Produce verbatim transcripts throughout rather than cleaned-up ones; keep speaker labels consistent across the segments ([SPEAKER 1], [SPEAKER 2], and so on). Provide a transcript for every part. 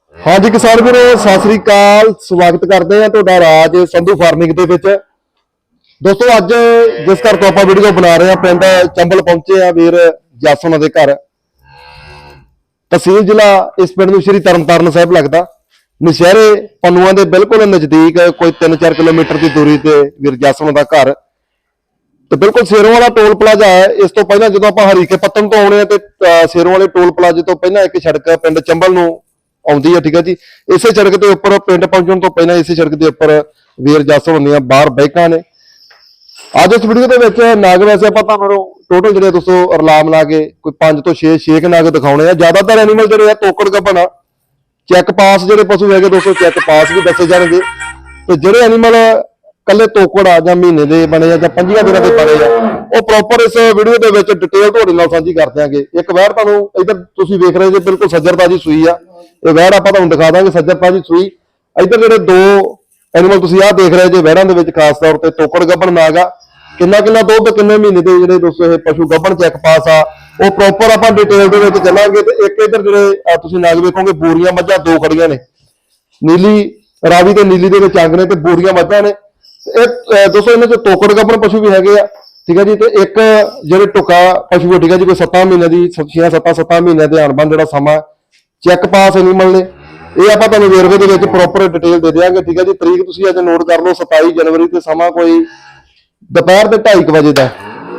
[SPEAKER 1] हाँ जी किसान वीरो सत श्री अकाल स्वागत करते हैं तुहाडा राज संधू फार्मिंग दे विच। दोस्तों अज जिस घर तो आप वीडियो बना रहे हैं पिंड चंबल पहुंचे हैं वीर जस उन्हां दे घर। तहसील जिला इस पिंड नूं श्री तरनतारन साहिब लगदा। नशहरे पन्नुआं दे बिल्कुल नज़दीक कोई तीन चार किलोमीटर की दूरी ते वीर जस उन्हां दा घर तो बिल्कुल सेरों वाला टोल प्लाजा है। इस तो पहला जो आप हरीके पत्तन तो आने तो सेरों वाले टोल प्लाजे तो पहला एक सड़क पिंड चंबल नूं आउंदी है, ठीक है जी। इसे सड़क के उपर पिंड पहुंचने तो पहला इसे सड़क के उपर वीर जस होंदियां बाहर बाइकां ने। अज इस वीडियो के विच नाग वैसे आपां तुहानूं टोटल जिहड़े दोस्तों रला मिला के कोई पांच तो छे छे के नाग दिखाउणे आ। ज्यादातर एनीमल जिहड़े तोकड़ गब्बन चैक पास जिहड़े पशु है दोस्तों चैक पास भी दसे जाणगे ते जिहड़े एनीमल कल्ले तोकड़ आ जां महीने दे बने आ जां पंजियां दिनां दे बने आ ਉਹ ਪ੍ਰੋਪਰ ਇਸ ਵੀਡੀਓ ਦੇ ਵਿੱਚ ਡਿਟੇਲ ਤੁਹਾਡੇ ਨਾਲ ਸਾਂਝੀ ਕਰ ਦਿਆਂਗੇ। ਇੱਕ ਵੈੜ ਤੁਹਾਨੂੰ ਇਧਰ ਤੁਸੀਂ ਵੇਖ ਰਹੇ ਜੇ ਬਿਲਕੁਲ ਸੱਜਰਤਾ ਦੀ ਸੂਈ ਆ। ਇਹ ਵੈੜ ਆਪਾਂ ਤੁਹਾਨੂੰ ਦਿਖਾ ਦਾਂਗੇ ਸੱਜਰਤਾ ਦੀ ਸੂਈ। ਇਧਰ ਜਿਹੜੇ ਦੋ ਐਨੀਮਲ ਤੁਸੀਂ ਆਹ ਦੇਖ ਰਹੇ ਜੇ ਵੈੜਾਂ ਦੇ ਵਿੱਚ ਖਾਸ ਤੌਰ ਤੇ ਤੋਕੜ ਗੱਭਣ ਨਾਗ ਆ। ਕਿੰਨਾ ਕਿੰਨਾ ਦੁੱਧ ਕਿੰਨੇ ਮਹੀਨੇ ਦੇ ਜਿਹੜੇ ਦੋਸਤੋ ਇਹ ਪਸ਼ੂ ਗੱਭਣ ਚੈੱਕ ਪਾਸ ਆ ਉਹ ਪ੍ਰੋਪਰ ਆਪਾਂ ਡਿਟੇਲ ਦੇ ਵਿੱਚ ਚੱਲਾਂਗੇ। ਤੇ ਇੱਕ ਇਧਰ ਜਿਹੜੇ ਤੁਸੀਂ ਨਾਗ ਵੇਖੋਗੇ ਬੂਰੀਆਂ ਮੱਝਾਂ ਦੋ ਖੜੀਆਂ ਨੇ, ਨੀਲੀ ਰਾਵੀ ਤੇ ਨੀਲੀ ਦੇ ਵਿੱਚ ਅੰਗ ਨੇ ਤੇ ਬੂਰੀਆਂ ਮੱਝਾਂ ਨੇ। ਇਹ ਦੋਸਤੋ ਇਹਨਾਂ ਚ ਤੋਕੜ ਗੱਭਣ ਪਸ਼ੂ ਵੀ ਹੈਗੇ ਆ, ठीक है जी। तो एक जो टुका पशु है, ठीक है जी, कोई सत्तां महीने की छे सत्तां सत्तां महीने के अणबन जो समा चैक पास एनीमल ने ये आप वेरवे के प्रॉपर डिटेल दे देंगे, ठीक है जी। तरीक तुम अज नोट कर लो सताई जनवरी से समा कोई दोपहर के ढाई बजे का